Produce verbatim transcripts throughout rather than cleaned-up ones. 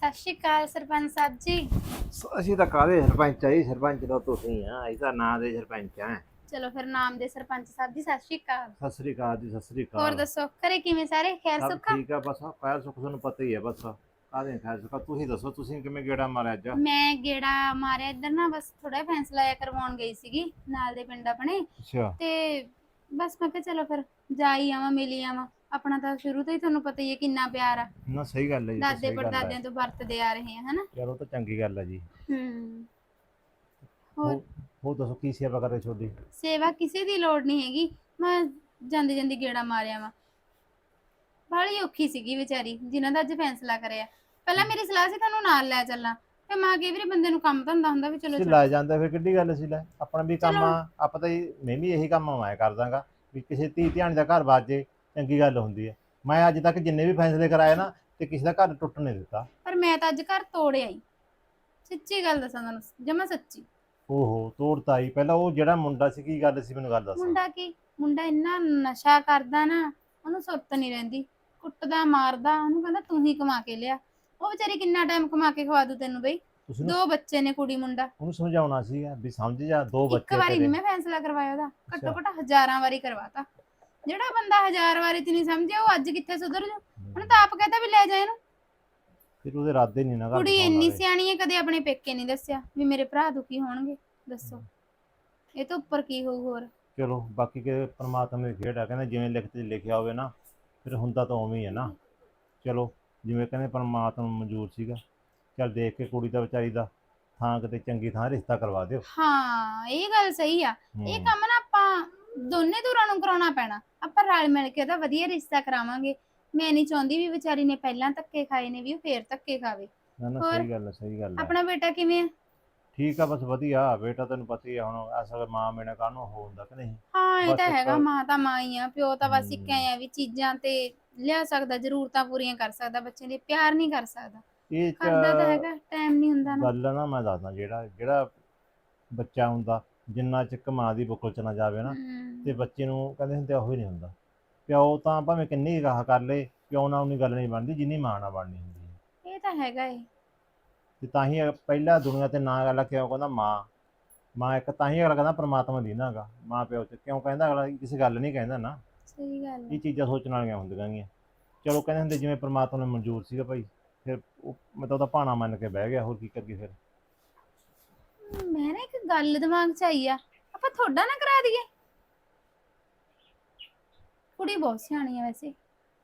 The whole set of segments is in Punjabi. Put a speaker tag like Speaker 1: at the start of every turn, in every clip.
Speaker 1: ਸਤਿ ਸ਼੍ਰੀ ਅਕਾਲ ਸਰਪੰਚ ਸਾਹਿਬ ਜੀ।
Speaker 2: ਅਸੀਂ ਤਾਂ ਕਾਹਦੇ ਸਰਪੰਚ ਆ ਜੀ, ਸਰਪੰਚ ਤਾਂ ਤੁਸੀਂ ਆ, ਅਸੀਂ ਤਾਂ ਨਾਂ ਦੇ ਸਰਪੰਚ ਆ।
Speaker 1: ਚਲੋ ਫਿਰ ਨਾਮ ਦੇ ਸਰਪੰਚ ਸਾਹਿਬ ਜੀ ਸਤਿ ਸ਼੍ਰੀ ਅਕਾਲ।
Speaker 2: ਸਤਿ ਸ੍ਰੀ ਅਕਾਲ ਜੀ, ਸਤਿ ਸ੍ਰੀ
Speaker 1: ਹੋਰ
Speaker 2: ਅਕਾਲ।
Speaker 1: ਦੱਸੋ ਘਰੇ ਕਿਵੇਂ ਸਾਰੇ ਖੈਰ
Speaker 2: ਸਭ
Speaker 1: ਸੁੱਖਾ?
Speaker 2: ਠੀਕ ਆ, ਬਸ ਖੈਰ ਸੁੱਖ ਤੁਹਾਨੂੰ ਪਤਾ ਹੀ ਹੈ। ਬਸ ਕਾਹਦੇ ਖੈਰ ਸੁੱਖ ਆ, ਤੁਸੀਂ ਦੱਸੋ ਤੁਸੀਂ ਕਿਵੇਂ ਗੇੜਾ ਮਾਰਿਆ ਅੱਜ?
Speaker 1: ਮੈਂ ਗੇੜਾ ਮਾਰਿਆ ਇੱਧਰ ਨਾ, ਬਸ ਥੋੜਾ ਜਿਹਾ ਫੈਸਲਾ ਜਿਹਾ ਕਰਵਾਉਣ ਗਈ ਸੀਗੀ ਨਾਲ ਦੇ ਪਿੰਡ ਆਪਣੇ।
Speaker 2: ਅੱਛਾ।
Speaker 1: ਤੇ ਬਸ ਮੈਂ ਕਿਹਾ ਚਲੋ ਫਿਰ ਜਾ ਹੀ ਆਵਾਂ, ਮਿਲ ਹੀ ਆਵਾਂ। ਆਪਣਾ ਤਾਂ ਸ਼ੁਰੂ ਤੋਂ ਹੀ ਤੁਹਾਨੂੰ ਪਤਾ ਹੀ ਹੈ ਕਿੰਨਾ ਪਿਆਰ ਆ,
Speaker 2: ਨਾ ਸਹੀ ਗੱਲ ਹੈ ਜੀ, ਤਾਂ
Speaker 1: ਦਾਦੇ
Speaker 2: ਸਹੀ ਗੱਲ ਹੈ।
Speaker 1: ਪੜਦਾਦਿਆਂ ਤੋਂ ਵਰਤਦੇ ਆ ਰਹੇ ਆ ਹਨਾ।
Speaker 2: ਚਲੋ ਤਾਂ ਚੰਗੀ ਗੱਲ ਹੈ ਜੀ।
Speaker 1: ਹੂੰ। ਹੋਰ
Speaker 2: ਹੋ ਹੋਰ ਦੱਸੋ ਕੀ ਸੇਵਾ ਕਰ ਰਹੇ ਤੁਹਾਡੀ?
Speaker 1: ਸੇਵਾ ਕਿਸੇ ਦੀ ਲੋੜ ਨਹੀਂ ਹੈਗੀ, ਮੈਂ ਜਾਂਦੀ ਜਾਂਦੀ ਗੇੜਾ ਮਾਰਿਆ ਵਾ। ਬਾਹਲੀ ਔਖੀ ਸੀਗੀ ਵਿਚਾਰੀ ਜਿਨ੍ਹਾਂ ਦਾ ਅੱਜ ਫੈਸਲਾ ਕਰਿਆ। ਪਹਿਲਾਂ ਮੇਰੀ ਸਲਾਹ ਸੀ ਤੁਹਾਨੂੰ ਨਾਲ ਲੈ ਚੱਲਾਂ, ਤੇ ਮਾਂ ਕਈ ਵਾਰੀ ਬੰਦੇ ਨੂੰ ਕੰਮ ਧੰਦਾ ਹੁੰਦਾ ਵੀ ਚਲੋ
Speaker 2: ਤੁਸੀਂ
Speaker 1: ਛੱਡ।
Speaker 2: ਲੈ ਜਾਂਦੇ ਫਿਰ ਕਿੱਡੀ ਗੱਲ ਸੀ, ਲੈ ਆਪਣਾ ਵੀ ਕੰਮ
Speaker 1: ਚਲੋ
Speaker 2: ਆ, ਆਪਾਂ ਤਾਂ ਜੀ- ਮੈਂ ਵੀ ਇਹੀ ਕੰਮ ਮੈਂ ਕਰਦਾਗਾ ਵੀ ਕਿਸੇ ਧੀ ਧਿਆਣੀ ਦਾ ਘਰ ਬਾਜੇ ਚੰਗੀ ਗੱਲ ਹੁੰਦੀ ਹੈ। ਮੈਂ ਅੱਜ ਤੱਕ ਜਿੰਨੇ ਵੀ ਫੈਸਲੇ ਕਰਾਏ ਨਾ ਤੇ ਕਿਸੇ ਦਾ ਘਰ ਟੁੱਟ ਨਹੀਂ ਦਿੱਤਾ।
Speaker 1: ਪਰ ਮੈਂ ਤਾਂ ਅੱਜ ਘਰ ਤੋੜਿਆ ਹੀ, ਸੱਚੀ ਗੱਲ ਦੱਸਾਂ ਤੁਹਾਨੂੰ, ਜਮਾ ਸੱਚੀ।
Speaker 2: ਓਹੋ ਤੋੜਤਾ ਹੀ, ਪਹਿਲਾਂ ਉਹ ਜਿਹੜਾ ਮੁੰਡਾ ਸੀ ਕੀ ਗੱਲ ਸੀ ਮੈਨੂੰ ਗੱਲ ਦੱਸ।
Speaker 1: ਮੁੰਡਾ ਕੀ, ਮੁੰਡਾ ਇੰਨਾ ਨਸ਼ਾ ਕਰਦਾ ਨਾ, ਉਹਨੂੰ ਸੁਰਤ ਨਹੀਂ ਰਹਿੰਦੀ, ਕੁੱਟਦਾ ਮਾਰਦਾ, ਉਹਨੂੰ ਕਹਿੰਦਾ ਤੂੰ ਹੀ ਕਮਾ ਕੇ ਲਿਆ। ਉਹ ਵਿਚਾਰੀ ਕਿੰਨਾ ਟਾਈਮ ਕਮਾ ਕੇ ਖਵਾ ਦੂ ਤੈਨੂੰ ਬਈ।
Speaker 2: ਤੁਸੀਂ
Speaker 1: ਦੋ ਬੱਚੇ ਨੇ, ਕੁੜੀ ਮੁੰਡਾ।
Speaker 2: ਉਹਨੂੰ ਸਮਝਾਉਣਾ ਸੀਗਾ ਵੀ ਸਮਝ ਜਾ, ਦੋ
Speaker 1: ਇੱਕ
Speaker 2: ਬੱਚੇ
Speaker 1: ਵਾਰੀ
Speaker 2: ਤੇਰੇ।
Speaker 1: ਨਹੀਂ ਮੈਂ ਫੈਸਲਾ ਕਰਵਾਇਆ ਉਹਦਾ, ਘੱਟੋ
Speaker 2: ਅੱਛਾ।
Speaker 1: ਘੱਟ ਹਜ਼ਾਰਾਂ ਵਾਰੀ ਕਰਵਾਤਾ। ਜਿਹੜਾ ਬੰਦਾ ਹਜ਼ਾਰ ਵਾਰੀ ਤੇ ਨਹੀਂ ਸਮਝਿਆ ਉਹ ਅੱਜ ਕਿੱਥੇ ਸੁਧਰ ਜੂ। ਉਹਨੇ ਤਾਂ ਆਪ ਕਹਿੰਦਾ ਵੀ ਲੈ ਜਾ ਇਹਨੂੰ।
Speaker 2: ਫਿਰ ਉਹਦੇ ਇਰਾਦੇ ਨਹੀਂ ਨਾ ਘਰ
Speaker 1: ਕੁੜੀ
Speaker 2: ਦਿਖਾਉਣ
Speaker 1: ਇੰਨੀ
Speaker 2: ਵਾਲੇ।
Speaker 1: ਸਿਆਣੀ ਹੈ, ਕਦੇ ਆਪਣੇ ਪੇਕੇ ਨਹੀਂ ਦੱਸਿਆ ਵੀ ਮੇਰੇ ਭਰਾ ਦੁਖੀ ਹੋਣਗੇ। ਦੱਸੋ ਇਹ ਤੋਂ ਉੱਪਰ ਕੀ ਹੋਊ ਹੋਰ।
Speaker 2: ਚਲੋ ਬਾਕੀ ਕਿ ਪਰਮਾਤਮਾ ਦੀ ਖੇਡ ਆ, ਕਹਿੰਦੇ ਜਿਵੇਂ ਲਿਖਤ 'ਚ ਲਿਖਿਆ ਹੋਵੇ ਨਾ ਫਿਰ ਹੁੰਦਾ ਤਾਂ ਉਵੇਂ ਹੀ ਹੈ ਨਾ। ਚਲੋ ਜਿਵੇਂ ਕਹਿੰਦੇ ਪਰਮਾਤਮਾ ਨੂੰ ਮਨਜ਼ੂਰ ਸੀਗਾ, ਚੱਲ ਦੇਖ ਕੇ ਕੁੜੀ ਦਾ ਵਿਚਾਰੀ ਦਾ ਥਾਂ ਕਿਤੇ ਚੰਗੀ ਥਾਂ ਰਿਸ਼ਤਾ ਕਰਵਾ ਦਿਓ।
Speaker 1: ਹਾਂ ਇਹ ਗੱਲ ਸਹੀ ਆ। ਇਹ
Speaker 2: ਹੂੰ।
Speaker 1: ਕੰਮ ਨਾ ਆਪਾਂ ਦੋਨੇ ਧੁਰਾਂ ਨੂੰ ਕਰਾਉਣਾ ਪੈਣਾ, ਆਪਾਂ ਰਲ ਮਿਲ ਕੇ ਉਹਦਾ ਵਧੀਆ ਰਿਸ਼ਤਾ ਕਰਾਵਾਂਗੇ। ਮੈਂ ਨਹੀਂ ਚਾਹੁੰਦੀ ਵੀ ਵਿਚਾਰੀ ਨੇ ਪਹਿਲਾਂ ਧੱਕੇ ਖਾਏ ਨੇ ਵੀ ਉਹ ਫੇਰ ਧੱਕੇ ਖਾਵੇ।
Speaker 2: ਨਾ ਨਾ
Speaker 1: ਹੋਰ
Speaker 2: ਸਹੀ ਗੱਲ ਹੈ, ਸਹੀ ਗੱਲ ਹੈ।
Speaker 1: ਆਪਣਾ ਬੇਟਾ ਕਿਵੇਂ ਆ?
Speaker 2: ਠੀਕ ਆ, ਬਸ ਵਧੀਆ। ਬੇਟਾ ਤੈਨੂੰ ਪਤਾ ਹੀ ਆ, ਹੁਣ ਅਸਲ ਮਾਂ ਬਿਨਾਂ ਕਾਹਨੂੰ ਹੋ ਹੁੰਦਾ ਕਿ ਨਹੀਂ।
Speaker 1: ਹਾਂ ਇਹ
Speaker 2: ਬਸ
Speaker 1: ਤਾਂ
Speaker 2: ਇੱਕ
Speaker 1: ਹੈਗਾ, ਮਾਂ ਤਾਂ ਮਾਂ ਹੀ ਆ, ਪਿਓ ਤਾਂ ਬਸ ਇੱਕ
Speaker 2: ਹੂੰ
Speaker 1: ਐ ਆ ਵੀ ਚੀਜ਼ਾਂ ਤੇ ਲਿਆ ਸਕਦਾ, ਜ਼ਰੂਰਤਾਂ ਪੂਰੀਆਂ ਕਰ ਸਕਦਾ, ਬੱਚੇ ਦੇ ਪਿਆਰ ਨਹੀਂ ਕਰ ਸਕਦਾ।
Speaker 2: ਇਹ 'ਚ
Speaker 1: ਕਰਦਾ ਤਾਂ ਹੈਗਾ, ਟਾਈਮ ਨਹੀਂ ਹੁੰਦਾ ਨਾ।
Speaker 2: ਗੱਲ ਨਾ ਮੈਂ ਦੱਸਦਾ, ਜਿਹੜਾ ਜਿਹੜਾ ਬੱਚਾ ਹੁੰਦਾ ਜਿੰਨਾ ਚਿਰ ਮਾਂ ਦੀ ਬੁੱਕਲ 'ਚ ਨਾ ਜਾਵੇ ਨਾ ਤੇ
Speaker 1: ਹੂੰ
Speaker 2: ਬੱਚੇ ਨੂੰ ਕਹਿੰਦੇ ਹੁੰਦੇ ਉਹ ਹੀ ਨਹੀਂ ਹੁੰਦਾ। ਪਿਓ ਤਾਂ ਭਾਵੇਂ ਕਿੰਨੀ ਰਾਹ ਕਰ ਲੇ, ਪਿਓ ਨਾਲ ਉਨੀ ਗੱਲ ਨਹੀਂ ਬਣਦੀ ਜਿੰਨੀ ਮਾਂ ਨਾਲ ਬਣਨੀ ਹੁੰਦੀ ਹੈ।
Speaker 1: ਇਹ ਤਾਂ ਹੈਗਾ ਏ।
Speaker 2: ਤੇ ਤਾਂ ਹੀ ਪਹਿਲਾਂ ਦੁਨੀਆ ਤੇ ਨਾਂ ਅਗਲਾ ਕਿਉਂ ਕਹਿੰਦਾ ਮਾਂ। ਮਾਂ ਇੱਕ ਤਾਂ ਹੀ ਅਗਲਾ ਕਹਿੰਦਾ ਪਰਮਾਤਮਾ ਦੀ ਨਾ ਹੈਗਾ ਮਾਂ ਪਿਓ 'ਚ ਕਿਉਂ ਕਹਿੰਦਾ, ਅਗਲਾ ਕਿਸੇ ਗੱਲ ਨਹੀਂ ਕਹਿੰਦਾ ਨਾ।
Speaker 1: ਸਹੀ ਗੱਲ
Speaker 2: ਇਹ
Speaker 1: ਹੈ।
Speaker 2: ਚੀਜ਼ਾਂ ਸੋਚਣ ਵਾਲੀਆਂ ਹੁੰਦੀਆਂ ਗੀਆਂ। ਚਲੋ ਕਹਿੰਦੇ ਹੁੰਦੇ ਜਿਵੇਂ ਪਰਮਾਤਮਾ ਨੂੰ ਮਨਜ਼ੂਰ ਸੀਗਾ ਭਾਈ, ਫਿਰ ਉਹ ਮੈਂ ਤਾਂ ਉਹਦਾ ਭਾਣਾ ਮੰਨ ਕੇ ਬਹਿ ਗਿਆ, ਹੋਰ ਕੀ ਕਰੀਏ ਫਿਰ।
Speaker 1: ਮੈਂ ਨਾ ਇੱਕ ਗੱਲ ਦਿਮਾਗ 'ਚ ਆਈ ਆ, ਆਪਾਂ ਤੁਹਾਡਾ ਨਾ ਕਰਾ ਦਈਏ। ਕੁੜੀ ਬਹੁਤ ਸਿਆਣੀ ਆ ਵੈਸੇ।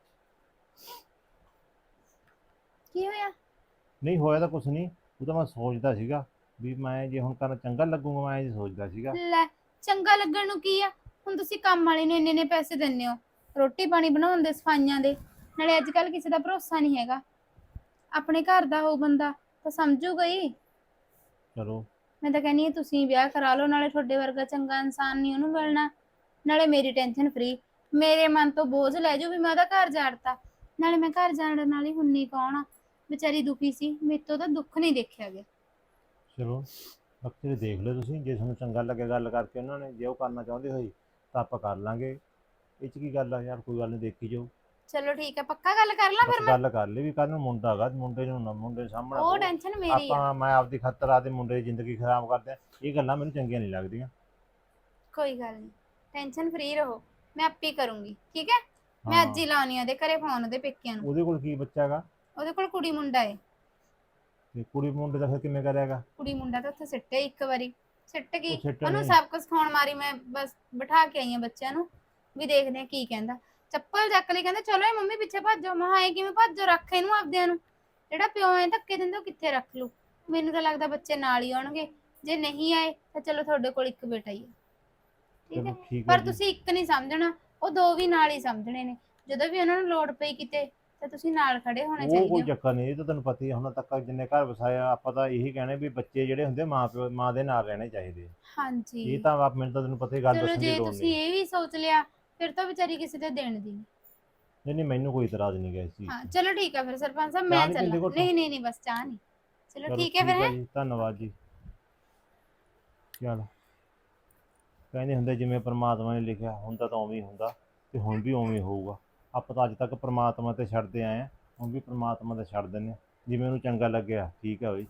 Speaker 1: ਕੀ ਹੋਇਆ?
Speaker 2: ਨਹੀਂ ਹੋਇਆ ਤਾਂ ਕੁਛ ਨਹੀਂ, ਉਹ ਤਾਂ ਮੈਂ ਸੋਚਦਾ ਸੀਗਾ ਵੀ ਮੈਂ ਜੇ ਹੁਣ ਕਰਨਾ ਚੰਗਾ ਲੱਗੂਗਾ, ਮੈਂ ਇਹ ਸੋਚਦਾ ਸੀਗਾ।
Speaker 1: ਲੈ ਚੰਗਾ ਲੱਗਣ ਨੂੰ ਕੀ ਆ, ਹੁਣ ਤੁਸੀਂ ਕੰਮ ਵਾਲੇ ਨੂੰ ਇੰਨੇ ਇੰਨੇ ਪੈਸੇ ਦਿੰਦੇ ਹੋ, ਰੋਟੀ ਪਾਣੀ ਬਣਾਉਣ ਦੇ, ਸਫਾਈਆਂ ਦੇ, ਨਾਲੇ ਅੱਜ ਕੱਲ ਕਿਸੇ ਦਾ ਭਰੋਸਾ ਨਹੀਂ ਹੈਗਾ। ਆਪਣੇ ਘਰ ਦਾ ਹੋਊ ਬੰਦਾ ਤਾਂ ਸਮਝੂਗਾ ਹੀ।
Speaker 2: ਚਲੋ
Speaker 1: ਮੈਂ ਤਾਂ ਕਹਿੰਦੀ ਹਾਂ ਤੁਸੀਂ ਵਿਆਹ ਕਰਾ ਲਓ, ਨਾਲੇ ਤੁਹਾਡੇ ਵਰਗਾ ਚੰਗਾ ਇਨਸਾਨ ਨਹੀਂ ਉਹਨੂੰ ਮਿਲਣਾ, ਨਾਲੇ ਮੇਰੀ ਟੈਨਸ਼ਨ ਫਰੀ, ਮੇਰੇ ਮਨ ਤੋਂ ਬੋਝ ਲੈ ਜਾਓ ਵੀ ਮੈਂ ਉਹਦਾ ਘਰ ਜਾੜਤਾ। ਨਾਲੇ ਮੈਂ ਘਰ ਜਾਣ ਨਾਲ ਹੀ ਹੁੰਨੀ ਕੌਣ ਆ, ਵਿਚਾਰੀ ਦੁਖੀ ਸੀ, ਮੇਰੇ ਤੋਂ ਤਾਂ ਦੁੱਖ ਨਹੀਂ ਦੇਖਿਆ ਗਿਆ।
Speaker 2: ਚਲੋ ਬਾਕੀ ਦੇਖ ਲਓ ਤੁਸੀਂ, ਜੇ ਤੁਹਾਨੂੰ ਚੰਗਾ ਲੱਗੇ ਗੱਲ ਕਰਕੇ ਉਹਨਾਂ ਨੇ, ਜੇ ਉਹ ਕਰਨਾ ਚਾਹੁੰਦੇ ਹੋਈ ਤਾਂ ਆਪਾਂ ਕਰ ਲਾਂਗੇ। ਇਹ 'ਚ ਕੀ ਗੱਲ ਆ ਯਾਰ, ਕੋਈ ਗੱਲ ਨਹੀਂ, ਦੇਖੀ ਜਾਓ।
Speaker 1: ਚਲੋ ਠੀਕ ਹੈ, ਪੱਕਾ ਗੱਲ ਕਰ ਲਾਂ
Speaker 2: ਬਸ
Speaker 1: ਫਿਰ ਮੈਂ।
Speaker 2: ਗੱਲ ਕਰ ਲਈ ਵੀ ਕੱਲ ਨੂੰ ਮੁੰਡਾ ਹੈਗਾ, ਮੁੰਡੇ ਨੂੰ ਨਾ ਮੁੰਡੇ ਸਾਹਮਣਾ
Speaker 1: ਉਹ
Speaker 2: ਕਹੋ
Speaker 1: ਟੈਨਸ਼ਨ ਮੇਰੀ ਆ।
Speaker 2: ਆਪਾਂ ਮੈਂ ਆਪਦੀ ਖਾਤਰ ਆਪਦੇ ਮੁੰਡੇ ਦੀ ਜ਼ਿੰਦਗੀ ਖਰਾਬ ਕਰਦੇ ਆ, ਇਹ ਗੱਲਾਂ ਮੈਨੂੰ ਚੰਗੀਆਂ ਨਹੀਂ ਲੱਗਦੀਆਂ।
Speaker 1: ਕੋਈ ਗੱਲ ਨਹੀਂ, ਟੈਨਸ਼ਨ ਫਰੀ ਰਹੋ, ਮੈਂ ਆਪੇ ਕਰੂੰਗੀ, ਠੀਕ ਹੈ। ਮੈਂ ਅੱਜ
Speaker 2: ਹਾਂ
Speaker 1: ਹੀ ਲਾਉਣੀ ਆ ਉਹਦੇ ਘਰੇ ਫੋਨ, ਉਹਦੇ ਪੇਕਿਆਂ ਨੂੰ।
Speaker 2: ਉਹਦੇ ਕੋਲ ਕੀ ਬੱਚਾ ਹੈਗਾ?
Speaker 1: ਉਹਦੇ ਕੋਲ ਕੁੜੀ ਮੁੰਡਾ ਏ।
Speaker 2: ਤੇ ਕੁੜੀ ਮੁੰਡੇ ਦਾ ਫਿਰ ਕਿਵੇਂ ਕਰਿਆਗਾ?
Speaker 1: ਕੁੜੀ ਮੁੰਡਾ ਤਾਂ ਉੱਥੇ ਸਿੱਟਿਆ ਇੱਕ ਵਾਰੀ, ਸਿੱਟ
Speaker 2: ਉਹ
Speaker 1: ਗਈ
Speaker 2: ਸਿੱਟ
Speaker 1: ਉਹਨੂੰ
Speaker 2: ਨਹੀਂ।
Speaker 1: ਸਭ ਕੁਝ ਖਾਣ ਮਾਰੀ, ਮੈਂ ਬਸ ਬਿਠਾ ਕੇ ਆਈ ਆ ਬੱਚਿਆਂ ਨੂੰ ਵੀ ਦੇਖਦੇ ਆ ਕੀ ਕਹਿੰਦਾ। ਚੱਪਲ ਚੱਕ ਲਈ, ਕਹਿੰਦੇ ਚਲੋ ਇਹ ਮੰਮੀ ਪਿੱਛੇ ਭੱਜੋ। ਮੈਂ ਕਿਹਾ ਐ ਕਿਵੇਂ ਭੱਜੋ, ਰੱਖ ਇਹਨੂੰ ਆਪਦਿਆਂ ਨੂੰ। ਜਿਹੜਾ ਪਿਓ ਐ ਧੱਕੇ ਦਿੰਦਾ ਉਹ ਕਿੱਥੇ ਰੱਖ ਲੂ। ਮੈਨੂੰ ਤਾਂ ਲੱਗਦਾ ਬੱਚੇ ਨਾਲ ਹੀ ਆਉਣਗੇ, ਜੇ ਨਹੀਂ ਆਏ ਤਾਂ ਚਲੋ ਤੁਹਾਡੇ ਕੋਲ ਇੱਕ ਬੇਟਾ ਹੀ ਆ, ਠੀਕ ਹੈ।
Speaker 2: ਚਲੋ ਠੀਕ ਹੈ
Speaker 1: ਪਰ
Speaker 2: ਜੀ।
Speaker 1: ਤੁਸੀਂ ਇੱਕ ਨਹੀਂ ਸਮਝਣਾ, ਉਹ ਦੋ ਵੀ ਨਾਲ ਹੀ ਸਮਝਣੇ ਨੇ। ਜਦੋਂ ਵੀ ਉਹਨਾਂ ਨੂੰ ਲੋੜ ਪਈ ਕਿਤੇ ਤਾਂ ਤੁਸੀਂ ਨਾਲ ਖੜੇ ਹੋਣੇ
Speaker 2: ਉਹ
Speaker 1: ਚਾਹੀਦੇ
Speaker 2: ਕੋਈ
Speaker 1: ਹੋ।
Speaker 2: ਚੱਕਰ ਨਹੀਂ, ਇਹ ਤਾਂ ਤੈਨੂੰ ਪਤਾ ਹੀ ਆ, ਹੁਣ ਤੱਕ ਜਿੰਨੇ ਘਰ ਵਸਾਇਆ ਆਪਾਂ ਤਾਂ ਇਹੀ ਕਹਿਣੇ ਵੀ ਬੱਚੇ ਜਿਹੜੇ ਹੁੰਦੇ ਮਾਂ ਪਿਓ ਮਾਂ ਦੇ ਨਾਲ ਰਹਿਣੇ ਚਾਹੀਦੇ ਆ।
Speaker 1: ਹਾਂਜੀ
Speaker 2: ਇਹ ਤਾਂ ਆਪ ਮੈਨੂੰ ਤਾਂ ਤੈਨੂੰ ਪਤਾ ਹੀ, ਗੱਲ
Speaker 1: ਚਲੋ,
Speaker 2: ਦੱਸਣ ਦੀ
Speaker 1: ਜੇ
Speaker 2: ਲੋੜ
Speaker 1: ਤੁਸੀਂ
Speaker 2: ਨਹੀਂ।
Speaker 1: ਇਹ ਵੀ ਸੋਚ ਲਿਆ ਫਿਰ ਤਾਂ ਵਿਚਾਰੀ ਕਿਸੇ ਤੇ ਦੇਣ ਦੀ ਨਹੀਂ।
Speaker 2: ਨਹੀਂ ਨਹੀਂ ਮੈਨੂੰ ਕੋਈ ਇਤਰਾਜ਼ ਨਹੀਂ ਗਾ ਇਸ ਚੀਜ਼
Speaker 1: ਹਾਂ
Speaker 2: 'ਚ।
Speaker 1: ਚਲੋ ਠੀਕ ਹੈ ਫਿਰ ਸਰਪੰਚ ਸਾਹਿਬ,
Speaker 2: ਚਾਹ
Speaker 1: ਮੈਂ
Speaker 2: ਨਹੀਂ
Speaker 1: ਚੱਲਾਂ।
Speaker 2: ਪੀਂਦੇ ਘੁੱਟ?
Speaker 1: ਨਹੀਂ ਨਹੀਂ ਨਹੀਂ ਬਸ ਚਾਹ ਨਹੀਂ। ਚਲੋ
Speaker 2: ਚਲੋ
Speaker 1: ਠੀਕ ਹੈ ਫਿਰ
Speaker 2: ਆ
Speaker 1: ਹੈ।
Speaker 2: ਜੀ, ਧੰਨਵਾਦ ਜੀ। ਚਲ ਕਹਿੰਦੇ ਹੁੰਦੇ ਜਿਵੇਂ ਪਰਮਾਤਮਾ ਨੇ ਲਿਖਿਆ ਹੁੰਦਾ ਤਾਂ ਉਵੇਂ ਹੀ ਹੁੰਦਾ, ਤੇ ਹੁਣ ਵੀ ਉਵੇਂ ਹੀ ਹੋਊਗਾ। ਆਪਾਂ ਤਾਂ ਅੱਜ ਤੱਕ ਪਰਮਾਤਮਾ ਤੇ ਛੱਡਦੇ ਆਏ ਹਾਂ, ਹੁਣ ਵੀ ਪਰਮਾਤਮਾ ਤੇ ਛੱਡ ਦਿੰਦੇ ਹਾਂ। ਜਿਵੇਂ ਉਹਨੂੰ ਚੰਗਾ ਲੱਗਿਆ ਠੀਕ ਆ ਬਈ।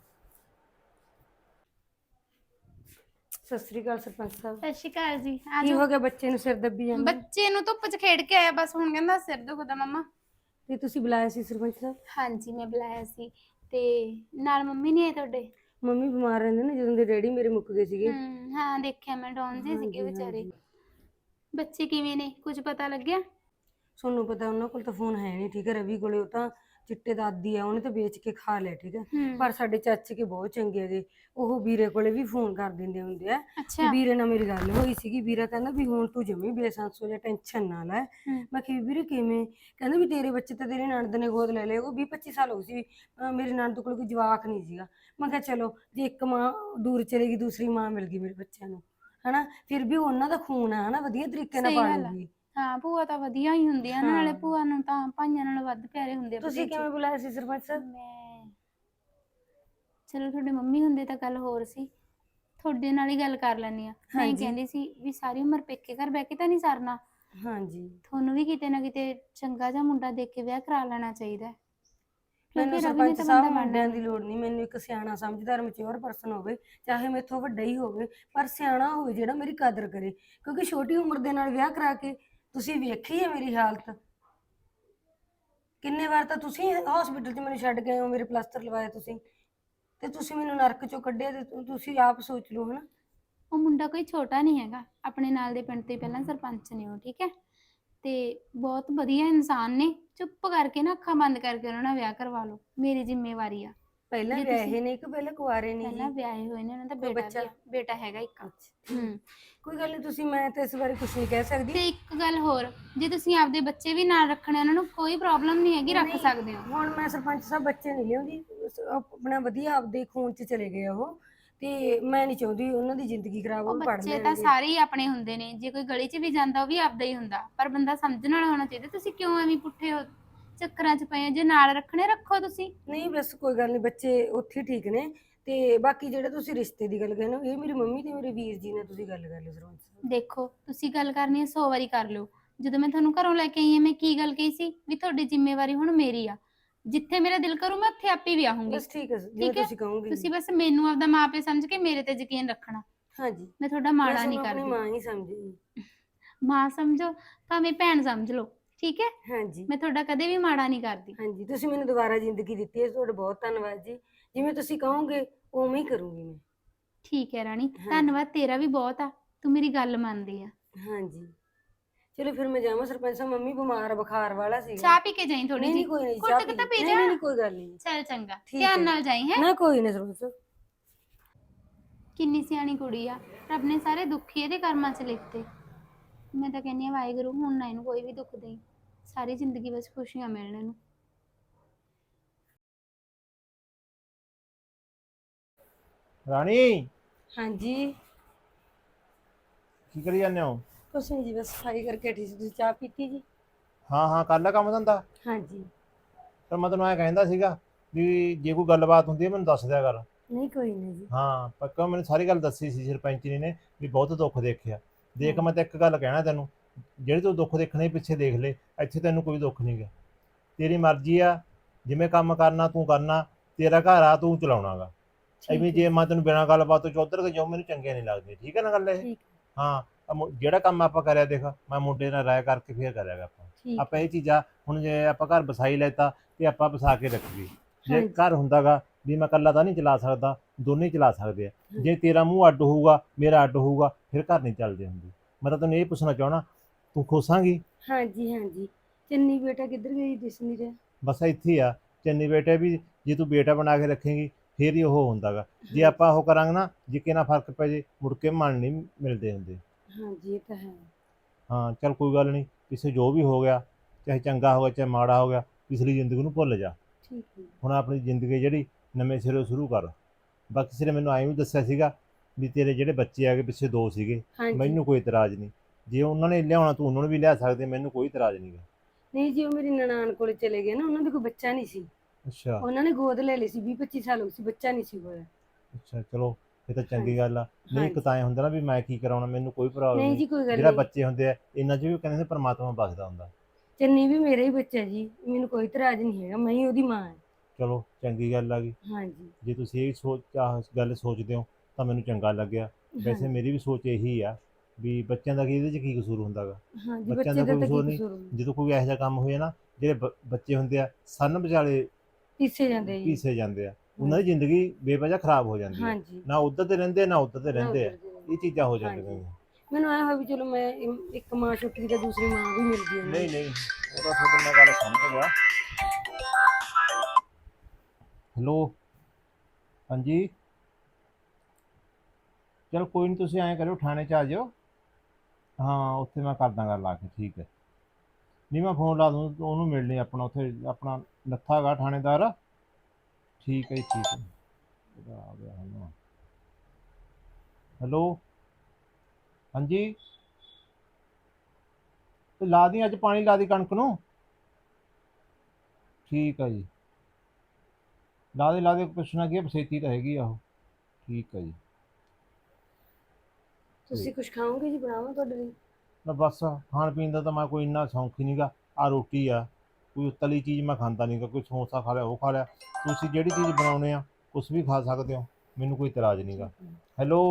Speaker 3: ਸਤਿ ਸ੍ਰੀ ਅਕਾਲ ਸਰਪੰਚ ਸਾਹਿਬ।
Speaker 1: ਸਤਿ ਸ਼੍ਰੀ ਅਕਾਲ ਜੀ। ਆ
Speaker 3: ਕੀ
Speaker 1: ਜਾਓ।
Speaker 3: ਹੋ ਗਿਆ ਬੱਚੇ ਨੂੰ ਸਿਰ ਦੱਬੀ ਜਾਂਦਾ?
Speaker 1: ਬੱਚੇ ਨੂੰ ਧੁੱਪ 'ਚ ਖੇਡ ਕੇ ਆਇਆ, ਬਸ ਹੁਣ ਕਹਿੰਦਾ ਸਿਰ ਦੁਖਦਾ ਮੰਮਾ।
Speaker 3: ਤੇ ਤੁਸੀਂ ਬੁਲਾਇਆ ਸੀ ਸਰਪੰਚ ਸਾਹਿਬ?
Speaker 1: ਹਾਂਜੀ ਮੈਂ ਬੁਲਾਇਆ ਸੀ, ਤੇ ਨਾਲ ਮੰਮੀ ਨਹੀਂ ਆਏ ਤੁਹਾਡੇ?
Speaker 3: ਮੰਮੀ ਬਿਮਾਰ ਰਹਿੰਦੇ ਨੇ, ਜਦੋਂ ਦੇ ਡੈਡੀ ਮੇਰੇ ਮੁੱਕ ਗਏ ਸੀਗੇ।
Speaker 1: ਹੂੰ ਹਾਂ ਦੇਖਿਆ ਮੈਂ, ਡਾਉਨ ਜੀ ਸੀਗੇ
Speaker 3: ਹਾਂਜੀ
Speaker 1: ਵਿਚਾਰੇ।
Speaker 3: ਹਾਂਜੀ।
Speaker 1: ਬੱਚੇ ਕਿਵੇਂ ਨੇ, ਕੁਝ ਪਤਾ ਲੱਗਿਆ?
Speaker 3: ਤੁਹਾਨੂੰ ਪਤਾ ਉਹਨਾਂ ਕੋਲ ਤਾਂ ਫੋਨ ਹੈ ਨਹੀਂ, ਠੀਕ ਹੈ। ਰਵੀ ਕੋਲੇ ਉਹ ਤਾਂ ਚਿੱਟੇ ਦਾ ਆਦੀ ਆ, ਉਹਨੇ ਤਾਂ ਵੇਚ ਕੇ ਖਾ ਲਿਆ, ਠੀਕ ਹੈ।
Speaker 1: ਹੂੰ
Speaker 3: ਪਰ ਸਾਡੇ ਚਾਚੇ ਕੇ ਬਹੁਤ ਚੰਗੇ ਹੈਗੇ, ਉਹ ਵੀਰੇ ਕੋਲੇ ਵੀ ਫੋਨ ਕਰ ਦਿੰਦੇ ਹੁੰਦੇ ਆ। ਤੇ
Speaker 1: ਅੱਛਾ।
Speaker 3: ਵੀਰੇ ਨਾਲ ਮੇਰੀ ਗੱਲ ਹੋਈ ਸੀਗੀ, ਵੀਰਾ ਕਹਿੰਦਾ ਵੀ ਹੁਣ ਤੂੰ ਜਮੀ ਬੇਸੰਸ ਹੋ ਜਾ, ਟੈਨਸ਼ਨ ਨਾ ਲੈ।
Speaker 1: ਹੂੰ
Speaker 3: ਮੈਂ ਕਿਹਾ ਵੀਰੇ ਕਿਵੇਂ? ਕਹਿੰਦਾ ਵੀ ਤੇਰੇ ਬੱਚੇ ਤਾਂ ਤੇਰੀ ਨਣਦ ਨੇ ਗੋਦ ਲੈ ਲਏ, ਉਹ ਵੀਹ ਪੱਚੀ ਸਾਲ ਹੋ ਗਈ ਸੀ। ਅਹ ਮੇਰੀ ਨਣਦ ਕੋਲ ਕੋਈ ਜਵਾਕ ਨਹੀਂ ਸੀਗਾ। ਮੈਂ ਕਿਹਾ ਚਲੋ ਜੇ ਇੱਕ ਮਾਂ ਦੂਰ ਚਲੇਗੀ, ਦੂਸਰੀ ਮਾਂ ਮਿਲ ਗਈ ਮੇਰੇ ਬੱਚਿਆਂ ਨੂੰ, ਹਨਾ। ਫਿਰ ਵੀ ਉਹਨਾਂ ਦਾ ਖੂਨ ਆ, ਹਨਾ, ਵਧੀਆ ਤਰੀਕੇ ਨਾਲ
Speaker 1: ਸਹੀ ਗੱਲ ਆ।
Speaker 3: ਪਾਲੂਗੀ।
Speaker 1: ਹਾਂ ਭੂਆ ਤਾਂ ਵਧੀਆ ਹੀ ਹੁੰਦੀ ਆ, ਨਾਲੇ
Speaker 3: ਹਾਂ।
Speaker 1: ਭੂਆ ਨੂੰ ਤਾਂ ਭਾਈਆਂ ਨਾਲੋਂ ਵੱਧ ਪਿਆਰੇ ਹੁੰਦੇ ਆ
Speaker 3: ਤੁਸੀਂ
Speaker 1: ਭਤੀਜੇ।
Speaker 3: ਕਿਵੇਂ ਬੁਲਾਇਆ ਸੀ ਸਰਪੰਚ ਸਾਹਿਬ?
Speaker 1: ਮੈਂ ਚਲੋ ਤੁਹਾਡੇ ਮੰਮੀ ਹੁੰਦੇ ਤਾਂ ਗੱਲ ਹੋਰ ਸੀ, ਤੁਹਾਡੇ ਨਾਲ ਹੀ ਗੱਲ ਕਰ ਲੈਣੀ ਆ। ਮੈਂ ਇਹ
Speaker 3: ਹਾਂਜੀ
Speaker 1: ਕਹਿੰਦੀ ਸੀ ਵੀ ਸਾਰੀ ਉਮਰ ਪੇਕੇ ਘਰ ਬਹਿ ਕੇ ਤਾਂ ਨਹੀਂ ਸਰਨਾ,
Speaker 3: ਹਾਂਜੀ।
Speaker 1: ਤੁਹਾਨੂੰ ਵੀ ਕਿਤੇ ਨਾ ਕਿਤੇ ਚੰਗਾ ਜਿਹਾ ਮੁੰਡਾ ਦੇਖ ਕੇ ਵਿਆਹ ਕਰਾ ਲੈਣਾ ਚਾਹੀਦਾ ਹੈ।
Speaker 3: ਮੈਨੂੰ
Speaker 1: ਕਿਉਂਕਿ ਰਵੀ ਨੇ
Speaker 3: ਸਰਪੰਚ
Speaker 1: ਤਾਂ
Speaker 3: ਸਾਹਿਬ
Speaker 1: ਬੰਦਾ ਬਣਨਾ
Speaker 3: ਮੁੰਡਿਆਂ ਦੀ
Speaker 1: ਨਹੀਂ।
Speaker 3: ਲੋੜ ਨਹੀਂ, ਮੈਨੂੰ ਇੱਕ ਸਿਆਣਾ ਸਮਝਦਾਰ ਮੈਚੁਰ ਪਰਸਨ ਹੋਵੇ, ਚਾਹੇ ਮੈਥੋਂ ਵੱਡਾ ਹੀ ਹੋਵੇ, ਪਰ ਸਿਆਣਾ ਹੋਵੇ ਜਿਹੜਾ ਮੇਰੀ ਕਦਰ ਕਰੇ। ਕਿਉਂਕਿ ਛੋਟੀ ਉਮਰ ਦੇ ਨਾਲ ਵਿਆਹ ਕਰਾ ਕੇ ਤੁਸੀਂ ਵੇਖੀ ਹੈ ਮੇਰੀ ਹਾਲਤ। ਕਿੰਨੇ ਵਾਰ ਤਾਂ ਤੁਸੀਂ ਹਸਪੀਟਲ 'ਚ ਮੈਨੂੰ ਛੱਡ ਗਏ ਹੋ, ਮੇਰੇ ਪਲਾਸਟਰ ਲਵਾਏ ਤੁਸੀਂ, ਤੇ ਤੁਸੀਂ ਮੈਨੂੰ ਨਰਕ ਚੋਂ ਕੱਢਿਆ। ਤੇ ਤੁ- ਤੁਸੀਂ ਆਪ ਸੋਚ ਲਓ, ਹਨਾ।
Speaker 1: ਉਹ ਮੁੰਡਾ ਕੋਈ ਛੋਟਾ ਨਹੀਂ ਹੈਗਾ, ਆਪਣੇ ਨਾਲ ਦੇ ਪਿੰਡ ਤੋਂ ਹੀ ਪਹਿਲਾਂ ਸਰਪੰਚ ਨੇ ਉਹ, ਠੀਕ ਹੈ। ਤੇ ਬਹੁਤ ਵਧੀਆ ਇਨਸਾਨ ਨੇ, ਚੁੱਪ ਕਰਕੇ ਨਾ ਅੱਖਾਂ ਬੰਦ ਕਰਕੇ ਉਹਨਾਂ ਨਾਲ ਵਿਆਹ ਕਰਵਾ ਲਓ, ਮੇਰੀ ਜ਼ਿੰਮੇਵਾਰੀ ਆ।
Speaker 3: ਪਹਿਲਾਂ
Speaker 1: ਜੇ
Speaker 3: ਵਿਆਹੇ
Speaker 1: ਤੁਸੀਂ
Speaker 3: ਨੇ ਕਿ ਪਹਿਲਾਂ ਕੁਆਰੇ ਨੇ
Speaker 1: ਪਹਿਲਾਂ
Speaker 3: ਜੀ?
Speaker 1: ਵਿਆਹੇ ਹੋਏ ਨੇ, ਉਹਨਾਂ ਦਾ
Speaker 3: ਕੋਈ
Speaker 1: ਬੇਟਾ
Speaker 3: ਬੱਚਾ?
Speaker 1: ਵੀ ਆ, ਬੇਟਾ ਹੈਗਾ ਇੱਕ।
Speaker 3: ਅੱਛਾ।
Speaker 1: ਹੂੰ।
Speaker 3: ਕੋਈ ਗੱਲ ਨਹੀਂ, ਤੁਸੀਂ, ਮੈਂ ਤਾਂ ਇਸ ਬਾਰੇ ਕੁਝ ਨਹੀਂ ਕਹਿ ਸਕਦੀ।
Speaker 1: ਤੇ ਇੱਕ ਗੱਲ ਹੋਰ, ਜੇ ਤੁਸੀਂ ਆਪਦੇ ਬੱਚੇ ਵੀ ਨਾਲ ਰੱਖਣੇ, ਉਹਨਾਂ ਨੂੰ ਕੋਈ ਪ੍ਰੋਬਲਮ ਨਹੀਂ ਹੈਗੀ, ਰੱਖ
Speaker 3: ਨਹੀਂ,
Speaker 1: ਸਕਦੇ ਹੋ।
Speaker 3: ਹੁਣ ਮੈਂ ਸਰਪੰਚ ਸਾਹਿਬ ਬੱਚੇ ਨਹੀਂ ਲਿਆਉਂਦੀ, ਸ- ਆਪਣਾ ਵਧੀਆ ਆਪਦੇ ਖੂਨ 'ਚ ਚਲੇ ਗਏ ਆ ਉਹ, ਤੇ ਮੈਂ ਨਹੀਂ ਚਾਹੁੰਦੀ ਉਹਨਾਂ ਦੀ ਜ਼ਿੰਦਗੀ ਖਰਾਬ
Speaker 1: ਉਹ
Speaker 3: ਹੋਵੇ, ਪੜ੍ਹ
Speaker 1: ਬੱਚੇ ਤਾਂ
Speaker 3: ਲੈਣਗੇ।
Speaker 1: ਸਾਰੇ ਹੀ ਆਪਣੇ ਹੁੰਦੇ ਨੇ, ਜੇ ਕੋਈ ਗਲੀ 'ਚ ਵੀ ਜਾਂਦਾ ਉਹ ਵੀ ਆਪਦਾ ਹੀ ਹੁੰਦਾ, ਪਰ ਬੰਦਾ ਸਮਝਣ ਵਾਲਾ ਹੋਣਾ ਚਾਹੀਦਾ। ਤੁਸੀਂ ਕਿਉਂ ਐਵੇਂ ਪੁੱਠੇ ਹੋ ਚੱਕਰਾਂ 'ਚ ਪਏ ਹੋ? ਜੇ ਨਾਲ ਰੱਖਣੇ ਰੱਖੋ ਤੁਸੀਂ।
Speaker 3: ਨਹੀਂ ਬਸ ਕੋਈ ਗੱਲ ਨਹੀਂ, ਬੱਚੇ ਉੱਥੇ ਠੀਕ ਨੇ। ਤੇ ਬਾਕੀ ਜਿਹੜੇ ਤੁਸੀਂ ਰਿਸ਼ਤੇ ਦੀ ਗੱਲ ਕਹਿੰਦੇ ਹੋ, ਇਹ ਮੇਰੀ ਮੰਮੀ ਤੇ ਮੇਰੇ ਵੀਰ ਜੀ ਨਾਲ ਤੁਸੀਂ ਗੱਲ ਕਰ ਲਿਓ ਸਰਪੰਚ ਸਾਹਿਬ।
Speaker 1: ਦੇਖੋ ਤੁਸੀਂ ਗੱਲ ਕਰਨੀ ਹੈ ਸੌ ਵਾਰੀ ਕਰ ਲਿਓ। ਜਦੋਂ ਮੈਂ ਤੁਹਾਨੂੰ ਘਰੋਂ ਲੈ ਕੇ ਆਈ ਹਾਂ, ਮੈਂ ਕੀ ਗੱਲ ਕਹੀ ਸੀ ਵੀ ਤੁਹਾਡੀ ਜ਼ਿੰਮੇਵਾਰੀ ਹੁਣ ਮੇਰੀ ਆ, ਜਿੱਥੇ ਮੇਰਾ ਦਿਲ ਕਰੂ ਮੈਂ ਉੱਥੇ ਆਪੇ ਵਿਆਹੂੰਗੀ।
Speaker 3: ਬਸ ਠੀਕ ਹੈ, ਜਿਵੇਂ
Speaker 1: ਠੀਕ ਹੈ,
Speaker 3: ਤੁਸੀਂ ਕਹੋਗੇ।
Speaker 1: ਤੁਸੀਂ ਬਸ ਮੈਨੂੰ ਆਪਦਾ ਮਾਪੇ ਸਮਝ ਕੇ ਮੇਰੇ ਤੇ ਯਕੀਨ ਰੱਖਣਾ।
Speaker 3: ਹਾਂਜੀ,
Speaker 1: ਮੈਂ ਤੁਹਾਡਾ
Speaker 3: ਮੈਂ
Speaker 1: ਮਾੜਾ ਨਹੀਂ
Speaker 3: ਤੁਹਾਨੂੰ ਆਪਣੀ
Speaker 1: ਕਰਦੀ।
Speaker 3: ਮਾਂ ਹੀ ਸਮਝੀ।
Speaker 1: ਮਾਂ ਸਮਝੋ ਭਾਵੇਂ ਭੈਣ ਸਮਝ ਲਓ, ਠੀਕ ਹੈ।
Speaker 3: ਹਾਂਜੀ
Speaker 1: ਮੈਂ ਤੁਹਾਡਾ ਕਦੇ ਵੀ ਮਾੜਾ ਨਹੀਂ ਕਰਦੀ।
Speaker 3: ਹਾਂਜੀ, ਤੁਸੀਂ ਮੈਨੂੰ ਦੁਬਾਰਾ ਜ਼ਿੰਦਗੀ ਦਿੱਤੀ ਹੈ, ਤੁਹਾਡਾ ਬਹੁਤ ਧੰਨਵਾਦ ਜੀ। ਜਿਵੇਂ ਤੁਸੀਂ ਕਹੋਗੇ ਉਵੇਂ ਹੀ ਕਰੂੰਗੀ ਮੈਂ।
Speaker 1: ਠੀਕ ਹੈ ਰਾਣੀ,
Speaker 3: ਹਾਂਜੀ।
Speaker 1: ਧੰਨਵਾਦ ਤੇਰਾ ਵੀ ਬਹੁਤ ਆ, ਤੂੰ ਮੇਰੀ ਗੱਲ ਮੰਨਦੀ ਆ।
Speaker 3: ਹਾਂਜੀ ਚਲੋ ਫਿਰ ਮੈਂ ਜਾਵਾਂ ਸਰਪੰਚ ਸਾਹਿਬ, ਮੰਮੀ ਬਿਮਾਰ, ਬੁਖਾਰ ਵਾਲਾ ਸੀਗਾ।
Speaker 1: ਚਾਹ ਪੀ ਕੇ ਜਾਈਂ ਥੋੜੀ
Speaker 3: ਨਹੀਂ
Speaker 1: ਜੀ,
Speaker 3: ਨਹੀਂ ਕੋਈ ਨਹੀਂ, ਚਾਹ
Speaker 1: ਕੁੱਟ
Speaker 3: ਪੀ
Speaker 1: ਕੇ ਤਾਂ ਪੀ
Speaker 3: ਨਹੀਂ
Speaker 1: ਜਾ।
Speaker 3: ਨਹੀਂ ਨਹੀਂ, ਕੋਈ ਗੱਲ ਨਹੀਂ।
Speaker 1: ਚੱਲ ਚੰਗਾ,
Speaker 3: ਠੀਕ
Speaker 1: ਧਿਆਨ
Speaker 3: ਹੈ।
Speaker 1: ਨਾਲ ਜਾਈਂ ਹੈ।
Speaker 3: ਨਾ ਕੋਈ ਨਾ ਸਰਪੰਚ ਸਾਹਿਬ।
Speaker 1: ਕਿੰਨੀ ਸਿਆਣੀ ਕੁੜੀ ਆ, ਰੱਬ ਨੇ ਸਾਰੇ ਦੁੱਖ ਹੀ ਇਹਦੇ ਕਰਮਾਂ 'ਚ ਲਿਖਤੇ। ਮੈਂ ਤਾਂ ਕਹਿੰਦੀ ਆ ਵਾਹਿਗੁਰੂ ਹੁਣ ਨਾ ਇਹਨੂੰ ਕੋਈ ਵੀ ਦੁੱਖ ਦੇਈ, ਸਾਰੀ ਜ਼ਿੰਦਗੀ ਬਸ ਖੁਸ਼ੀਆਂ ਮਿਲਣ ਇਹਨੂੰ।
Speaker 2: ਰਾਣੀ
Speaker 3: ਹਾਂਜੀ
Speaker 2: ਕੀ ਕਰੀ ਜਾਂਦੇ ਹੋ?
Speaker 3: ਕੁਛ ਨਹੀਂ ਜੀ, ਬਸ ਸਫਾਈ ਕਰਕੇ ਹਟੀ ਸੀ। ਤੁਸੀਂ ਚਾਹ ਪੀਤੀ ਜੀ?
Speaker 2: ਹਾਂ ਹਾਂ, ਕਰ ਲੈ ਕੰਮ ਧੰਦਾ।
Speaker 3: ਹਾਂਜੀ।
Speaker 2: ਪਰ ਮੈਂ ਤੈਨੂੰ ਐਂ ਕਹਿੰਦਾ ਸੀਗਾ ਵੀ ਜੇ ਕੋਈ ਗੱਲਬਾਤ ਹੁੰਦੀ ਹੈ ਮੈਨੂੰ ਦੱਸ ਦਿਆ ਕਰ।
Speaker 3: ਨਹੀਂ ਕੋਈ ਨਾ ਜੀ।
Speaker 2: ਹਾਂ ਪੱਕਾ, ਮੈਨੂੰ ਸਾਰੀ ਗੱਲ ਦੱਸੀ ਸੀ ਸਰਪੰਚਣੀ ਨੇ ਵੀ ਬਹੁਤ ਦੁੱਖ ਦੇਖਿਆ। ਦੇਖ
Speaker 3: ਹਾਂ।
Speaker 2: ਮੈਂ ਤਾਂ ਇੱਕ ਗੱਲ ਕਹਿਣਾ ਤੈਨੂੰ, ਜਿਹੜੇ ਤੂੰ ਦੁੱਖ ਦੇਖਣੇ ਪਿੱਛੇ ਦੇਖ ਲੈ, ਇੱਥੇ ਤੈਨੂੰ ਕੋਈ ਦੁੱਖ ਨਹੀਂ ਗਾ। ਤੇਰੀ ਮਰਜ਼ੀ ਆ, ਜਿਵੇਂ ਕੰਮ ਕਰਨਾ ਤੂੰ ਕਰਨਾ, ਤੇਰਾ ਘਰ ਆ ਤੂੰ ਚਲਾਉਣਾ ਗਾ।
Speaker 3: ਠੀਕ
Speaker 2: ਐਵੇਂ
Speaker 3: ਹੈ
Speaker 2: ਜੇ
Speaker 3: ਜੀ,
Speaker 2: ਮੈਂ ਤੈਨੂੰ ਬਿਨਾਂ ਗੱਲਬਾਤ ਤੋਂ ਚੌਧਰ ਕੇ ਜਾਊਂ, ਮੈਨੂੰ ਚੰਗੇ ਨਹੀਂ ਲੱਗਦੇ, ਠੀਕ ਹੈ ਨਾ ਗੱਲ ਇਹ?
Speaker 3: ਠੀਕ
Speaker 2: ਹਾਂ ਆਹ ਮੁ- ਜਿਹੜਾ ਕੰਮ ਆਪਾਂ ਕਰਿਆ ਦੇਖ, ਮੈਂ ਮੁੰਡੇ ਨਾਲ ਰਾਏ ਕਰਕੇ ਫੇਰ ਕਰਿਆਗਾ ਆਪਾਂ।
Speaker 3: ਠੀਕ
Speaker 2: ਆਪਾਂ
Speaker 3: ਹੈ।
Speaker 2: ਇਹ ਚੀਜ਼ਾਂ ਹੁਣ ਜੇ ਆਪਾਂ ਘਰ ਵਸਾਈ ਲੈਤਾ ਤੇ ਆਪਾਂ ਵਸਾ ਕੇ ਰੱਖੀਏ। ਜੇ
Speaker 3: ਹਾਂਜੀ।
Speaker 2: ਘਰ ਹੁੰਦਾਗਾ ਵੀ ਮੈਂ ਇਕੱਲਾ ਤਾਂ ਨਹੀਂ ਚਲਾ ਸਕਦਾ, ਦੋਨੇ ਹੀ ਚਲਾ ਸਕਦੇ ਆ।
Speaker 3: ਹਾਂ।
Speaker 2: ਜੇ ਤੇਰਾ ਮੂੰਹ ਅੱਡ ਹੋਊਗਾ, ਮੇਰਾ ਅੱਡ ਹੋਊਗਾ, ਫਿਰ ਘਰ ਨਹੀਂ ਚੱਲਦੇ ਹੁੰਦੇ। ਮੈਂ ਤਾਂ ਤੈਨੂੰ ਇਹ ਪੁੱਛਣਾ ਚਾਹਣਾ, ਤੂੰ ਖੁਸ਼ਾਂਗੀ?
Speaker 3: ਹਾਂਜੀ ਹਾਂਜੀ। ਚੰਨੀ ਬੇਟਾ ਕਿੱਧਰ ਗਈ, ਦਿਸ ਨਹੀਂ ਰਿਹਾ।
Speaker 2: ਬਸ ਇੱਥੇ ਹੀ ਆ ਚੰਨੀ ਬੇਟੇ ਵੀ, ਜੇ ਤੂੰ ਬੇਟਾ ਬਣਾ ਕੇ ਰੱਖੇਂਗੀ ਫੇਰ ਹੀ ਉਹ ਹੁੰਦਾਗਾ। ਜੇ ਆਪਾਂ ਉਹ ਕਰਾਂਗੇ ਨਾ, ਜਿੱਕੇ ਨਾਲ ਫਰਕ ਪੈ ਜੇ, ਮੁੜ ਕੇ ਮਨ ਨਹੀਂ ਮਿਲਦੇ ਹੁੰਦੇ।
Speaker 3: ਹਾਂਜੀ ਇਹ ਤਾਂ ਹੈ।
Speaker 2: ਹਾਂ ਚੱਲ ਕੋਈ ਗੱਲ ਨਹੀਂ, ਪਿੱਛੇ ਜੋ ਵੀ ਹੋ ਗਿਆ, ਚਾਹੇ ਚੰਗਾ ਹੋ ਗਿਆ ਚਾਹੇ ਮਾੜਾ ਹੋ ਗਿਆ, ਪਿਛਲੀ ਜ਼ਿੰਦਗੀ ਨੂੰ ਭੁੱਲ ਜਾ।
Speaker 3: ਠੀਕ ਹੈ।
Speaker 2: ਹੁਣ ਆਪਣੀ ਜ਼ਿੰਦਗੀ ਜਿਹੜੀ ਨਵੇਂ ਸਿਰੋਂ ਸ਼ੁਰੂ ਕਰ। ਬਾਕੀ ਕਿਸੇ ਨੇ ਮੈਨੂੰ ਐਂ ਵੀ ਦੱਸਿਆ ਸੀਗਾ ਵੀ ਤੇਰੇ ਜਿਹੜੇ ਬੱਚੇ ਹੈਗੇ ਪਿੱਛੇ ਦੋ ਸੀਗੇ,
Speaker 3: ਹਾਂਜੀ।
Speaker 2: ਮੈਨੂੰ ਕੋਈ ਇਤਰਾਜ਼ ਨਹੀਂ। ਜੇ ਉਹਨਾਂ ਨੇ ਲਿਆਉਣਾ ਤੂੰ ਉਹਨਾਂ ਨੂੰ ਵੀ ਲਿਆ ਸਕਦੇ, ਮੈਨੂੰ ਕੋਈ ਇਤਰਾਜ਼ ਨਹੀਂ ਗਾ।
Speaker 3: ਨਹੀਂ ਜੀ, ਉਹ ਮੇਰੀ ਨਨਾਣ ਕੋਲੇ ਚਲੇ ਗਏ ਨਾ, ਉਹਨਾਂ ਦੇ ਕੋਈ ਬੱਚਾ ਨਹੀਂ ਸੀ,
Speaker 2: ਅੱਛਾ
Speaker 3: ਉਹਨਾਂ ਨੇ ਗੋਦ ਲੈ ਲਈ ਸੀ, ਵੀਹ ਪੱਚੀ ਸਾਲ ਹੋ ਗਏ ਸੀ, ਬੱਚਾ ਨਹੀਂ ਸੀ ਹੋਇਆ।
Speaker 2: ਅੱਛਾ ਚਲੋ ਇਹ ਤਾਂ ਚੰਗੀ
Speaker 3: ਹਾਂਜੀ।
Speaker 2: ਗੱਲ ਆ। ਨਹੀਂ ਇੱਕ
Speaker 3: ਹਾਂਜੀ।
Speaker 2: ਤਾਂ ਐਂ ਹੁੰਦਾ ਨਾ ਵੀ ਮੈਂ ਕੀ ਕਰਾਉਣਾ, ਮੈਨੂੰ ਕੋਈ ਪ੍ਰੋਬਲਮ
Speaker 3: ਨਹੀਂ
Speaker 2: ਨਹੀਂ।
Speaker 3: ਜੀ ਕੋਈ ਗੱਲ
Speaker 2: ਜਿਹੜਾ
Speaker 3: ਨਹੀਂ।
Speaker 2: ਬੱਚੇ ਹੁੰਦੇ ਆ ਇਹਨਾਂ 'ਚ ਵੀ ਕਹਿੰਦੇ ਨੇ ਪਰਮਾਤਮਾ ਬਸਦਾ ਹੁੰਦਾ।
Speaker 3: ਚੰਨੀ ਵੀ ਮੇਰਾ ਹੀ ਬੱਚਾ ਜੀ, ਮੈਨੂੰ ਕੋਈ ਇਤਰਾਜ਼ ਨਹੀਂ ਹੈਗਾ, ਮੈਂ ਹੀ ਉਹਦੀ ਮਾਂ ਹਾਂ।
Speaker 2: ਚਲੋ ਚੰਗੀ ਗੱਲ ਆ ਗਈ।
Speaker 3: ਹਾਂਜੀ
Speaker 2: ਜੇ ਤੁਸੀਂ ਇਹ ਸੋਚ ਆਹ ਗੱਲ ਸੋਚਦੇ ਹੋ ਤਾਂ ਮੈਨੂੰ ਚੰਗਾ ਲੱਗਿਆ। ਵੈਸੇ
Speaker 3: ਹਾਂਜੀ
Speaker 2: ਮੇਰੀ ਵੀ ਸੋਚ ਇਹੀ ਆ ਵੀ ਬੱਚਿਆਂ ਦਾ ਕੀ ਇਹਦੇ 'ਚ ਕੀ ਕਸੂਰ ਹੁੰਦਾ ਗਾ।
Speaker 3: ਹਾਂਜੀ
Speaker 2: ਬੱਚਿਆਂ
Speaker 3: ਬੱਚੇ
Speaker 2: ਦਾ
Speaker 3: ਦਾ
Speaker 2: ਕੋਈ
Speaker 3: ਤਾਂ ਕੀ
Speaker 2: ਕਸੂਰ ਨਹੀਂ।
Speaker 3: ਕਸੂਰ ਹੁੰਦਾ।
Speaker 2: ਜਦੋਂ ਕੋਈ ਇਹੋ ਜਿਹਾ ਕੰਮ ਹੋਇਆ ਨਾ, ਜਿਹੜੇ ਬ- ਬੱਚੇ ਹੁੰਦੇ ਆ ਸੰਨ ਵਿਚਾਲੇ
Speaker 3: ਪਿੱਛੇ ਜਾਂਦੇ ਜੀ।
Speaker 2: ਪੀਸੇ ਜਾਂਦੇ ਆ, ਉਹਨਾਂ ਦੀ
Speaker 3: ਹਾਂਜੀ
Speaker 2: ਜ਼ਿੰਦਗੀ ਬੇਵਜ੍ਹਾ ਖਰਾਬ ਹੋ ਜਾਂਦੀ ਆ।
Speaker 3: ਹਾਂਜੀ
Speaker 2: ਨਾ ਉੱਧਰ ਤੇ ਰਹਿੰਦੇ ਆ ਨਾ ਉੱਧਰ ਤੇ
Speaker 3: ਨਾ
Speaker 2: ਰਹਿੰਦੇ ਆ।
Speaker 3: ਉਧਰ ਦੇ
Speaker 2: ਇਹ ਚੀਜ਼ਾਂ ਹੋ ਜਾਂਦੀਆਂ
Speaker 3: ਹਾਂਜੀ
Speaker 2: ਨੇ।
Speaker 3: ਮੈਨੂੰ ਐ ਹੋਇਆ ਵੀ ਚਲੋ ਮੈਂ ਇ- ਇੱਕ ਮਾਂ ਛੁੱਟ ਗਈ ਤਾਂ ਦੂਸਰੀ ਮਾਂ ਵੀ ਮਿਲ ਗਈ ਉਹਨਾਂ
Speaker 2: ਨਹੀਂ
Speaker 3: ਨੂੰ।
Speaker 2: ਨਹੀਂ, ਉਹ ਤਾਂ ਤੁਹਾਡੀ ਮੈਂ ਗੱਲ ਸਮਝ ਗਿਆ। ਹੈਲੋ, ਹਾਂਜੀ, ਚਲ ਕੋਈ ਨਹੀਂ, ਤੁਸੀਂ ਐਂ ਕਰਿਓ ਥਾਣੇ 'ਚ ਆ ਜਾਇਓ। ਹਾਂ, ਉੱਥੇ ਮੈਂ ਕਰਦਾ ਗੱਲ ਆ ਕੇ, ਠੀਕ ਹੈ। ਨਹੀਂ ਮੈਂ ਫੋਨ ਲਾ ਦੂੰ ਉਹਨੂੰ ਮਿਲਣੀ, ਆਪਣਾ ਉੱਥੇ ਆਪਣਾ ਲੱਥਾ ਗਾ ਥਾਣੇਦਾਰ। ਠੀਕ ਹੈ ਜੀ, ਠੀਕ ਹੈ। ਇਹਦਾ ਆ ਗਿਆ ਹੁਣ। ਹੈਲੋ, ਹਾਂਜੀ, ਤੇ ਲਾ ਦੀ ਅੱਜ ਪਾਣੀ, ਲਾ ਦੀ ਕਣਕ ਨੂੰ। ਠੀਕ ਆ ਜੀ, ਲਾ ਦੇ ਲਾ ਦੇ, ਪੁੱਛਣਾ ਕੀ ਆ, ਪਛੇਤੀ ਤਾਂ ਹੈਗੀ ਆ ਉਹ। ਠੀਕ ਆ ਜੀ।
Speaker 3: ਤੁਸੀਂ ਕੁਝ ਖਾਓਗੇ ਜੀ, ਬਣਾਵਾਂ ਤੁਹਾਡੇ ਲਈ?
Speaker 2: ਨਾ ਬਸ ਖਾਣ ਪੀਣ ਦਾ ਤਾਂ ਮੈਂ ਕੋਈ ਇੰਨਾ ਸ਼ੌਂਕ ਹੀ ਨਹੀਂਗਾ। ਆ ਰੋਟੀ ਆ, ਕੋਈ ਤਲੀ ਚੀਜ਼ ਮੈਂ ਖਾਂਦਾ ਨਹੀਂਗਾ। ਕੋਈ ਸਮੋਸਾ ਖਾ ਲਿਆ, ਉਹ ਖਾ ਲਿਆ। ਤੁਸੀਂ ਜਿਹੜੀ ਚੀਜ਼ ਬਣਾਉਣੇ ਆ ਕੁਛ ਵੀ ਖਾ ਸਕਦੇ ਹੋ, ਮੈਨੂੰ ਕੋਈ ਇਤਰਾਜ਼ ਨਹੀਂਗਾ।
Speaker 3: ਠੀਕ ਹੈ।
Speaker 2: ਹੈਲੋ,